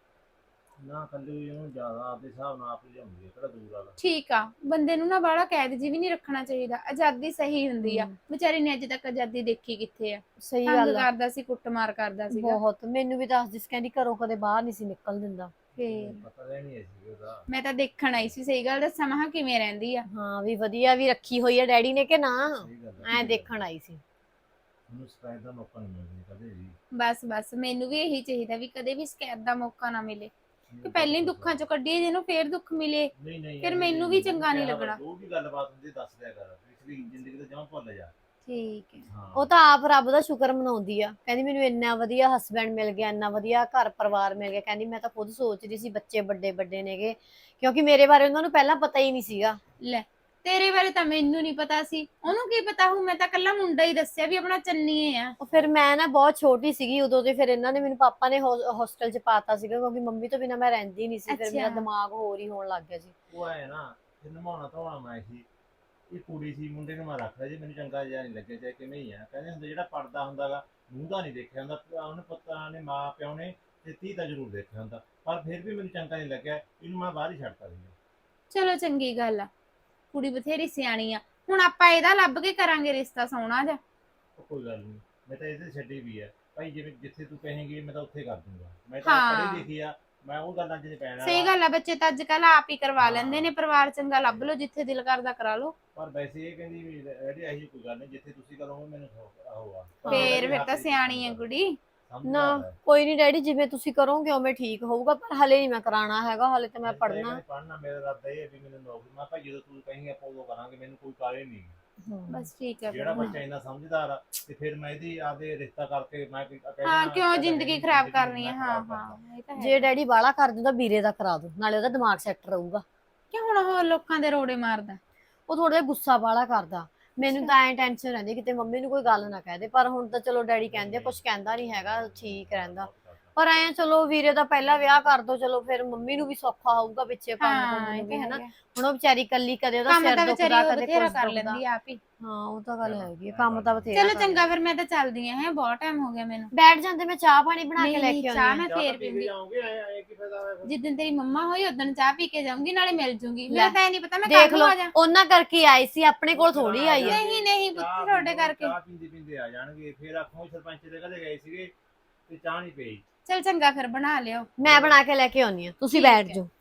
Speaker 2: ਨਾ ਕੱਲੀ ਉਹਨੂੰ ਜ਼ਿਆਦਾ ਆਪਦੇ ਹਿਸਾਬ ਨਾਲ ਆਪ ਲਿਆਉਂਦੀ ਹੈ, ਕਿਹੜਾ ਦੂਰ ਵਾਲਾ।
Speaker 1: ਠੀਕ ਆ, ਬੰਦੇ ਨੂੰ ਨਾ ਬਾਹਲਾ ਕੈਦ ਜੀ ਵੀ ਨਹੀਂ ਰੱਖਣਾ ਚਾਹੀਦਾ, ਆਜ਼ਾਦੀ ਸਹੀ ਹੁੰਦੀ ਆ।
Speaker 5: ਹਮ।
Speaker 1: ਵਿਚਾਰੀ ਨੇ ਅੱਜ ਤੱਕ ਆਜ਼ਾਦੀ ਦੇਖੀ ਕਿੱਥੇ ਆ?
Speaker 5: ਸਹੀ
Speaker 1: ਤੰਗ
Speaker 5: ਗੱਲ ਆ
Speaker 1: ਕਰਦਾ ਸੀ, ਕੁੱਟਮਾਰ ਕਰਦਾ ਸੀਗਾ।
Speaker 5: ਬਹੁਤ। ਮੈਨੂੰ ਵੀ ਦੱਸਦੀ ਸੀ, ਕਹਿੰਦੀ ਘਰੋਂ ਕਦੇ ਬਾਹਰ ਨਹੀਂ ਸੀ ਨਿਕਲ ਦਿੰਦਾ।
Speaker 1: ਫੇਰ
Speaker 2: ਪਤਾ ਲੈਣੀ ਸੀ ਉਹਦਾ।
Speaker 1: ਮੈਂ ਤਾਂ ਦੇਖਣ ਆਈ ਸੀ, ਸਹੀ ਗੱਲ ਦੱਸਾਂ, ਮਹਾਂ ਕਿਵੇਂ ਰਹਿੰਦੀ ਆ।
Speaker 5: ਹਾਂ ਵੀ ਵਧੀਆ ਵੀ ਰੱਖੀ ਹੋਈ ਆ ਡੈਡੀ ਨੇ ਕਿ ਨਾ,
Speaker 2: ਸਹੀ ਗੱਲ ਹੈ।
Speaker 5: ਐ ਦੇਖਣ ਆਈ ਸੀ।
Speaker 2: ਉਹਨੂੰ ਸ਼ਿਕਾਇਤ ਦਾ ਮੌਕਾ ਨਹੀਂ ਮਿਲਦਾ ਕਦੇ ਵੀ।
Speaker 1: ਬਸ ਬਸ ਮੈਨੂੰ ਵੀ ਇਹੀ ਚਾਹੀਦਾ ਵੀ ਕਦੇ ਵੀ ਸ਼ਿਕਾਇਤ ਦਾ ਮੌਕਾ ਨਾ ਮਿਲੇ, ਕਿ ਪਹਿਲਾਂ ਹੀ ਦੁੱਖਾਂ ਚੋਂ ਕੱਢੀਏ, ਜਿਹਨੂੰ ਫੇਰ ਦੁੱਖ ਮਿਲੇ
Speaker 2: ਨਹੀਂ ਨਹੀਂ
Speaker 1: ਫਿਰ ਮੈਨੂੰ ਵੀ ਚੰਗਾ ਨਹੀਂ ਲੱਗਣਾ।
Speaker 2: ਜੋ ਵੀ ਗੱਲਬਾਤ ਹੁੰਦੀ ਦੱਸ ਦਿਆ ਕਰ, ਪਿਛਲੀ ਜ਼ਿੰਦਗੀ ਤੋਂ ਜਮਾਂ ਭੁੱਲ ਜਾ।
Speaker 1: ਠੀਕ ਹੈ।
Speaker 2: ਹਾਂ
Speaker 5: ਉਹ ਤਾਂ ਆਪ ਰੱਬ ਦਾ ਸ਼ੁਕਰ ਮਨਾਉਂਦੀ ਆ, ਕਹਿੰਦੀ ਮੈਨੂੰ ਇੰਨਾ ਵਧੀਆ ਹਸਬੈਂਡ ਮਿਲ ਗਿਆ, ਇੰਨਾ ਵਧੀਆ ਘਰ ਪਰਿਵਾਰ ਮਿਲ ਗਿਆ। ਕਹਿੰਦੀ ਮੈਂ ਤਾਂ ਖੁਦ ਸੋਚ ਰਹੀ ਸੀ ਬੱਚੇ ਵੱਡੇ ਵੱਡੇ ਨੇਗੇ, ਕਿਉਂਕਿ ਮੇਰੇ ਬਾਰੇ ਉਹਨਾਂ ਨੂੰ ਪਹਿਲਾਂ ਪਤਾ ਹੀ ਨਹੀਂ ਸੀਗਾ।
Speaker 1: ਲੈ ਤੇਰੇ ਬਾਰੇ ਤਾਂ ਮੈਨੂੰ ਨਹੀਂ ਪਤਾ ਸੀ, ਉਹਨੂੰ ਕੀ ਪਤਾ ਹੂੰ, ਮੈਂ ਤਾਂ ਕੱਲਾ ਮੁੰਡਾ ਹੀ ਦੱਸਿਆ ਵੀ ਆਪਣਾ ਚੰਨੀਏ ਆ।
Speaker 5: ਉਹ ਫਿਰ ਮੈਂ ਨਾ ਬਹੁਤ ਛੋਟੀ ਸੀਗੀ ਉਦੋਂ, ਤੇ ਫਿਰ ਇਹਨਾਂ ਨੇ ਮੈਨੂੰ ਪਾਪਾ ਨੇ ਹੋਸਟਲ 'ਚ ਪਾਤਾ ਸੀਗਾ, ਕਿਉਂਕਿ ਮੰਮੀ ਤੋਂ ਬਿਨਾਂ ਮੈਂ ਰਹਿੰਦੀ ਨਹੀਂ ਸੀ। ਫਿਰ ਮੇਰਾ
Speaker 1: ਅੱਛਾ।
Speaker 5: ਦਿਮਾਗ ਹੋਰ ਹੀ ਹੋਣ ਲੱਗ ਗਿਆ ਸੀ।
Speaker 2: ਉਹ ਐ ਨਾ ਫਿਰ ਨਮਾਉਣਾ ਧੋਣਾ ਮੈਂ ਸੀ, ਇਹ ਕੁੜੀ ਸੀ, ਮੁੰਡੇ ਨੂੰ ਮੈਂ ਰੱਖਦਾ ਜੀ, ਮੈਨੂੰ ਚੰਗਾ ਜਿਹਾ ਨਹੀਂ ਲੱਗਿਆ, ਚਾਹੇ ਕਿਵੇਂ ਹੀ ਆ। ਕਹਿੰਦੇ ਹੁੰਦੇ ਜਿਹੜਾ ਪੜਦਾ ਹੁੰਦਾਗਾ ਮੂੰਹ ਦਾ ਨਹੀਂ ਦੇਖਿਆ ਹੁੰਦਾ, ਉਹਨੇ ਪੁੱਤਾਂ ਨੇ ਮਾਂ ਪਿਓ ਨੇ ਤੇ ਧੀ ਦਾ ਜ਼ਰੂਰ ਦੇਖਿਆ ਹੁੰਦਾ, ਪਰ ਫਿਰ ਵੀ ਮੈਨੂੰ ਚੰਗਾ ਨਹੀਂ ਲੱਗਿਆ, ਇਹਨੂੰ ਮੈਂ ਬਾਹਰ ਹੀ ਛੱਡਤਾ ਸੀ।
Speaker 1: ਚਲੋ ਚੰਗੀ ਗੱਲ ਆ, ਕੁੜੀ ਬਥੇਰੀ ਸਿਆਣੀ ਆ। ਹੁਣ ਆਪਾਂ ਇਹਦਾ ਲੱਭ ਕੇ ਕਰਾਂਗੇ ਰਿਸ਼ਤਾ ਸੋਹਣਾ ਜਿਹਾ।
Speaker 2: ਉਹ ਕੋਈ ਗੱਲ ਨਹੀਂ, ਮੈਂ ਤਾਂ ਇਹਦੇ ਛੱਡੀ ਵੀ ਆ ਭਾਈ, ਜਿਵੇਂ ਜਿੱਥੇ ਤੂੰ ਕਹੇਂਗੀ ਮੈਂ ਤਾਂ ਉੱਥੇ ਕਰ ਦੂੰਗਾ। ਮੈਂ ਤਾਂ
Speaker 1: ਹਾਂ।
Speaker 2: ਪੜ੍ਹੀ ਲਿਖੀ ਆ, ਮੈਂ ਉਹ ਗੱਲਾਂ 'ਚ ਨਹੀਂ ਪੈਣਾ।
Speaker 1: ਸਹੀ ਗੱਲ ਆ, ਬੱਚੇ ਤਾਂ ਅੱਜ ਕੱਲ ਆਪ ਹੀ ਕਰਵਾ ਲੈਂਦੇ ਨੇ, ਪਰਿਵਾਰ ਚੰਗਾ ਲੱਭ ਲਓ, ਜਿੱਥੇ ਦਿਲ ਕਰਦਾ ਕਰਾ ਲਓ।
Speaker 2: ਪਰ ਵੈਸੇ ਇਹ ਕਹਿੰਦੀ ਵੀ ਇਹਦੀ ਇਹੀ ਕੋਈ ਗੱਲ ਨਹੀਂ, ਜਿੱਥੇ ਤੁਸੀਂ ਕਰੋਗੇ ਮੈਨੂੰ ਉਹ ਆ।
Speaker 1: ਫੇਰ ਫਿਰ ਤਾਂ ਸਿਆਣੀ ਆ ਕੁੜੀ।
Speaker 5: ਨਾ ਕੋਈ ਨਹੀਂ ਡੈਡੀ, ਜਿਵੇਂ ਤੁਸੀਂ ਕਰੋਗੇ ਉਵੇਂ ਠੀਕ ਹੋਊਗਾ, ਪਰ ਹਲੇ ਨਹੀਂ ਮੈਂ ਕਰਾਉਣਾ ਹੈਗਾ, ਹਲੇ ਤਾਂ ਮੈਂ ਪੜ੍ਹਨਾ।
Speaker 2: ਪੜ੍ਹਨਾ ਮੇਰਾ ਇਰਾਦਾ ਇਹ ਹੈ ਵੀ ਮੈਨੂੰ ਨੌਕਰੀ, ਮੈਂ ਭਾਈ ਜਦੋਂ ਤੂੰ ਕਹੀਂ ਆਪਾਂ ਉਦੋਂ ਕਰਾਂਗੇ, ਮੈਨੂੰ ਕੋਈ ਕਾਹਲੀ ਨਹੀਂ।
Speaker 1: ਬਸ ਠੀਕ ਹੈ ਫਿਰ।
Speaker 2: ਜਿਹੜਾ ਬੱਚਾ ਇੰਨਾ ਸਮਝਦਾਰ ਆ ਤੇ ਫਿਰ ਮੈਂ ਇਹਦੀ ਆਪਦੇ ਰਿਸ਼ਤਾ ਕਰਕੇ ਮੈਂ ਕੋਈ ਕਹਿ
Speaker 1: ਹਾਂ
Speaker 2: ਦੇਣਾ,
Speaker 1: ਕਿਉਂ
Speaker 2: ਕਹਿੰਦਾ
Speaker 1: ਜ਼ਿੰਦਗੀ
Speaker 2: ਨਹੀਂ,
Speaker 1: ਖਰਾਬ
Speaker 2: ਜ਼ਿੰਦਗੀ
Speaker 1: ਕਰਨੀ ਹੈ।
Speaker 2: ਮੈਂ
Speaker 1: ਹਾਂ
Speaker 2: ਖਰਾਬ ਕਰਨਾ।
Speaker 1: ਹਾਂ ਇਹ ਤਾਂ ਹੈ।
Speaker 5: ਜੇ ਡੈਡੀ ਬਾਹਲਾ ਕਰ ਦਿੰਦਾ ਵੀਰੇ ਦਾ ਕਰਾ ਦੋ, ਨਾਲੇ ਉਹਦਾ ਦਿਮਾਗ ਸੈੱਟ ਰਹੂਗਾ।
Speaker 1: ਕਿ ਹੁਣ ਉਹ ਲੋਕਾਂ ਦੇ ਰੋੜੇ ਮਾਰਦਾ?
Speaker 5: ਉਹ ਥੋੜਾ ਜਿਹਾ ਗੁੱਸਾ ਬਾਹਲਾ ਕਰਦਾ, ਮੈਨੂੰ ਤਾਂ ਐਂ ਟੈਨਸ਼ਨ ਰਹਿੰਦੀ ਕਿਤੇ ਮੰਮੀ ਨੂੰ ਕੋਈ ਗੱਲ ਨਾ ਕਹਿ ਦੇ। ਪਰ ਹੁਣ ਤਾਂ ਚਲੋ ਡੈਡੀ ਕਹਿੰਦੇ, ਕੁਝ ਕਹਿੰਦਾ ਨਹੀਂ ਹੈਗਾ, ਠੀਕ ਰਹਿੰਦਾ। ਪਰ ਐਂ ਚਲੋ ਵੀਰੇ ਦਾ ਪਹਿਲਾ ਵਿਆਹ ਕਰ ਦੋ, ਚਲੋ ਫਿਰ ਮੰਮੀ ਨੂੰ ਵੀ ਸੌਖਾ ਹੋਊਗਾ ਪਿੱਛੇ ਕੰਮ
Speaker 1: ਹਾਂ
Speaker 5: ਕਰਨ
Speaker 1: ਇਹ
Speaker 5: ਨੂੰ ਵੀ,
Speaker 1: ਤਾਂ
Speaker 5: ਹਨਾ।
Speaker 1: ਹੈਗਾ।
Speaker 5: ਹੁਣ ਉਹ ਵਿਚਾਰੀ ਕੱਲੀ, ਕਦੇ ਉਹਦਾ
Speaker 1: ਕੰਮ
Speaker 5: ਸਿਰ
Speaker 1: ਤਾਂ ਵਿਚਾਰੀ
Speaker 5: ਦੁਖਦਾ,
Speaker 1: ਉਹ
Speaker 5: ਕਦੇ
Speaker 1: ਬਥੇਰਾ
Speaker 5: ਕੁਝ
Speaker 1: ਕਰ
Speaker 5: ਦੁਖਦਾ।
Speaker 1: ਲੈਂਦੀ ਆ ਆਪ ਹੀ।
Speaker 5: ਹਾਂ ਉਹ ਤਾਂ ਗੱਲ ਹੈਗੀ ਆ, ਕੰਮ ਤਾਂ ਬਥੇਰਾ
Speaker 1: ਚਲੋ
Speaker 5: ਕਰ
Speaker 1: ਚੰਗਾ,
Speaker 5: ਲੈਂਦੀ।
Speaker 1: ਫਿਰ ਮੈਂ ਤਾਂ ਚੱਲਦੀ ਆ, ਹੈ ਬਹੁਤ ਟਾਈਮ ਹੋ ਗਿਆ ਮੈਨੂੰ।
Speaker 5: ਬੈਠ ਜਾਂਦੇ, ਮੈਂ ਚਾਹ ਪਾਣੀ ਬਣਾ ਕੇ
Speaker 1: ਨਹੀਂ
Speaker 5: ਲੈ
Speaker 1: ਨਹੀਂ
Speaker 5: ਕੇ
Speaker 1: ਚਾਹ
Speaker 5: ਆਉਂਦੀ
Speaker 1: ਮੈਂ
Speaker 5: ਆ।
Speaker 1: ਫੇਰ ਪੀਂਦੀ,
Speaker 2: ਜਾਓਗੇ ਐ ਕੀ ਫਾਇਦਾ ਹੋਇਆ ਫਿਰ?
Speaker 1: ਜਿੱਦਣ ਤੇਰੀ ਮੰਮਾ ਹੋਈ ਉਦੋਂ ਚਾਹ ਪੀ ਕੇ ਜਾਊਂਗੀ, ਨਾਲੇ ਮਿਲ ਜੂੰਗੀ।
Speaker 5: ਲੈ,
Speaker 1: ਮੇਰਾ ਤਾਂ ਇਹ ਨਹੀਂ ਪਤਾ ਮੈਂ
Speaker 5: ਦੇਖ
Speaker 1: ਕਦੋਂ
Speaker 5: ਲਓ
Speaker 1: ਆ ਜਾ।
Speaker 5: ਉਹਨਾਂ ਕਰਕੇ ਆਈ ਸੀ, ਆਪਣੇ ਕੋਲ ਥੋੜੀ ਆਈ ਆ।
Speaker 1: ਨਹੀਂ ਨਹੀਂ ਪੁੱਤ,
Speaker 2: ਚਾਹ
Speaker 1: ਤੁਹਾਡੇ
Speaker 2: ਪੀਂਦੇ-
Speaker 1: ਕਰਕੇ।
Speaker 2: ਚਾਹ ਪੀਂਦੇ ਪੀਂਦੇ ਆ ਜਾਣਗੇ, ਫਿਰ ਆਖੋ ਸਰਪੰਚ ਦੇ ਘਰੇ ਗਏ ਸੀਗੇ ਤੇ ਚਾਹ ਨਹੀਂ ਪਈ।
Speaker 1: ਚਲ ਚੰਗਾ, ਫਿਰ ਬਣਾ ਲਿਓ।
Speaker 5: ਮੈਂ ਬਣਾ ਕੇ ਲੈ ਕੇ ਆਉਣੀ ਆ, ਤੁਸੀਂ
Speaker 1: ਠੀਕ
Speaker 5: ਬੈਠ
Speaker 1: ਹੈ।
Speaker 5: ਜਾਓ।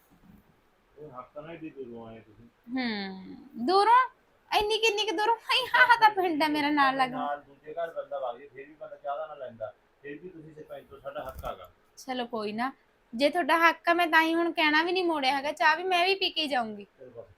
Speaker 2: ਉਹ ਹਫਤਾ ਨਾਲ ਏਡੀ ਦੂਰੋਂ ਆਏ ਤੁਸੀਂ।
Speaker 1: ਹੂੰ ਦੂਰੋਂ? ਇੰਨੀ ਕਿੰਨੀ ਕਿ ਦੂਰੋਂ? ਹਾਈ ਹਾਂ ਤਾਂ ਪਿੰਡ ਹੈ ਮੇਰਾ ਨਾਲ ਲੱਗਦਾ।
Speaker 2: ਨਾਲ ਦੂਜੇ ਘਰ ਬੰਦਾ ਵਗ ਜੇ ਫਿਰ ਵੀ ਬੰਦਾ ਚਾਹ ਦਾ ਨਾ ਲੈਂਦਾ, ਫਿਰ ਵੀ ਤੁਸੀਂ ਸਰਪੰਚ ਤੋਂ ਸਾਡਾ ਹੱਕ ਆਗਾ।
Speaker 1: ਚਲੋ ਕੋਈ ਨਾ, ਜੇ ਤੁਹਾਡਾ ਹੱਕ ਆ, ਮੈਂ ਤਾਂ ਹੀ ਹੁਣ ਕਹਿਣਾ ਵੀ ਨਹੀਂ ਮੋੜਿਆ ਹੈਗਾ, ਚਾਹ ਵੀ ਮੈਂ ਵੀ ਪੀ ਕੇ ਜਾਊਂਗੀ।
Speaker 2: ਚਲੋ ਬਸ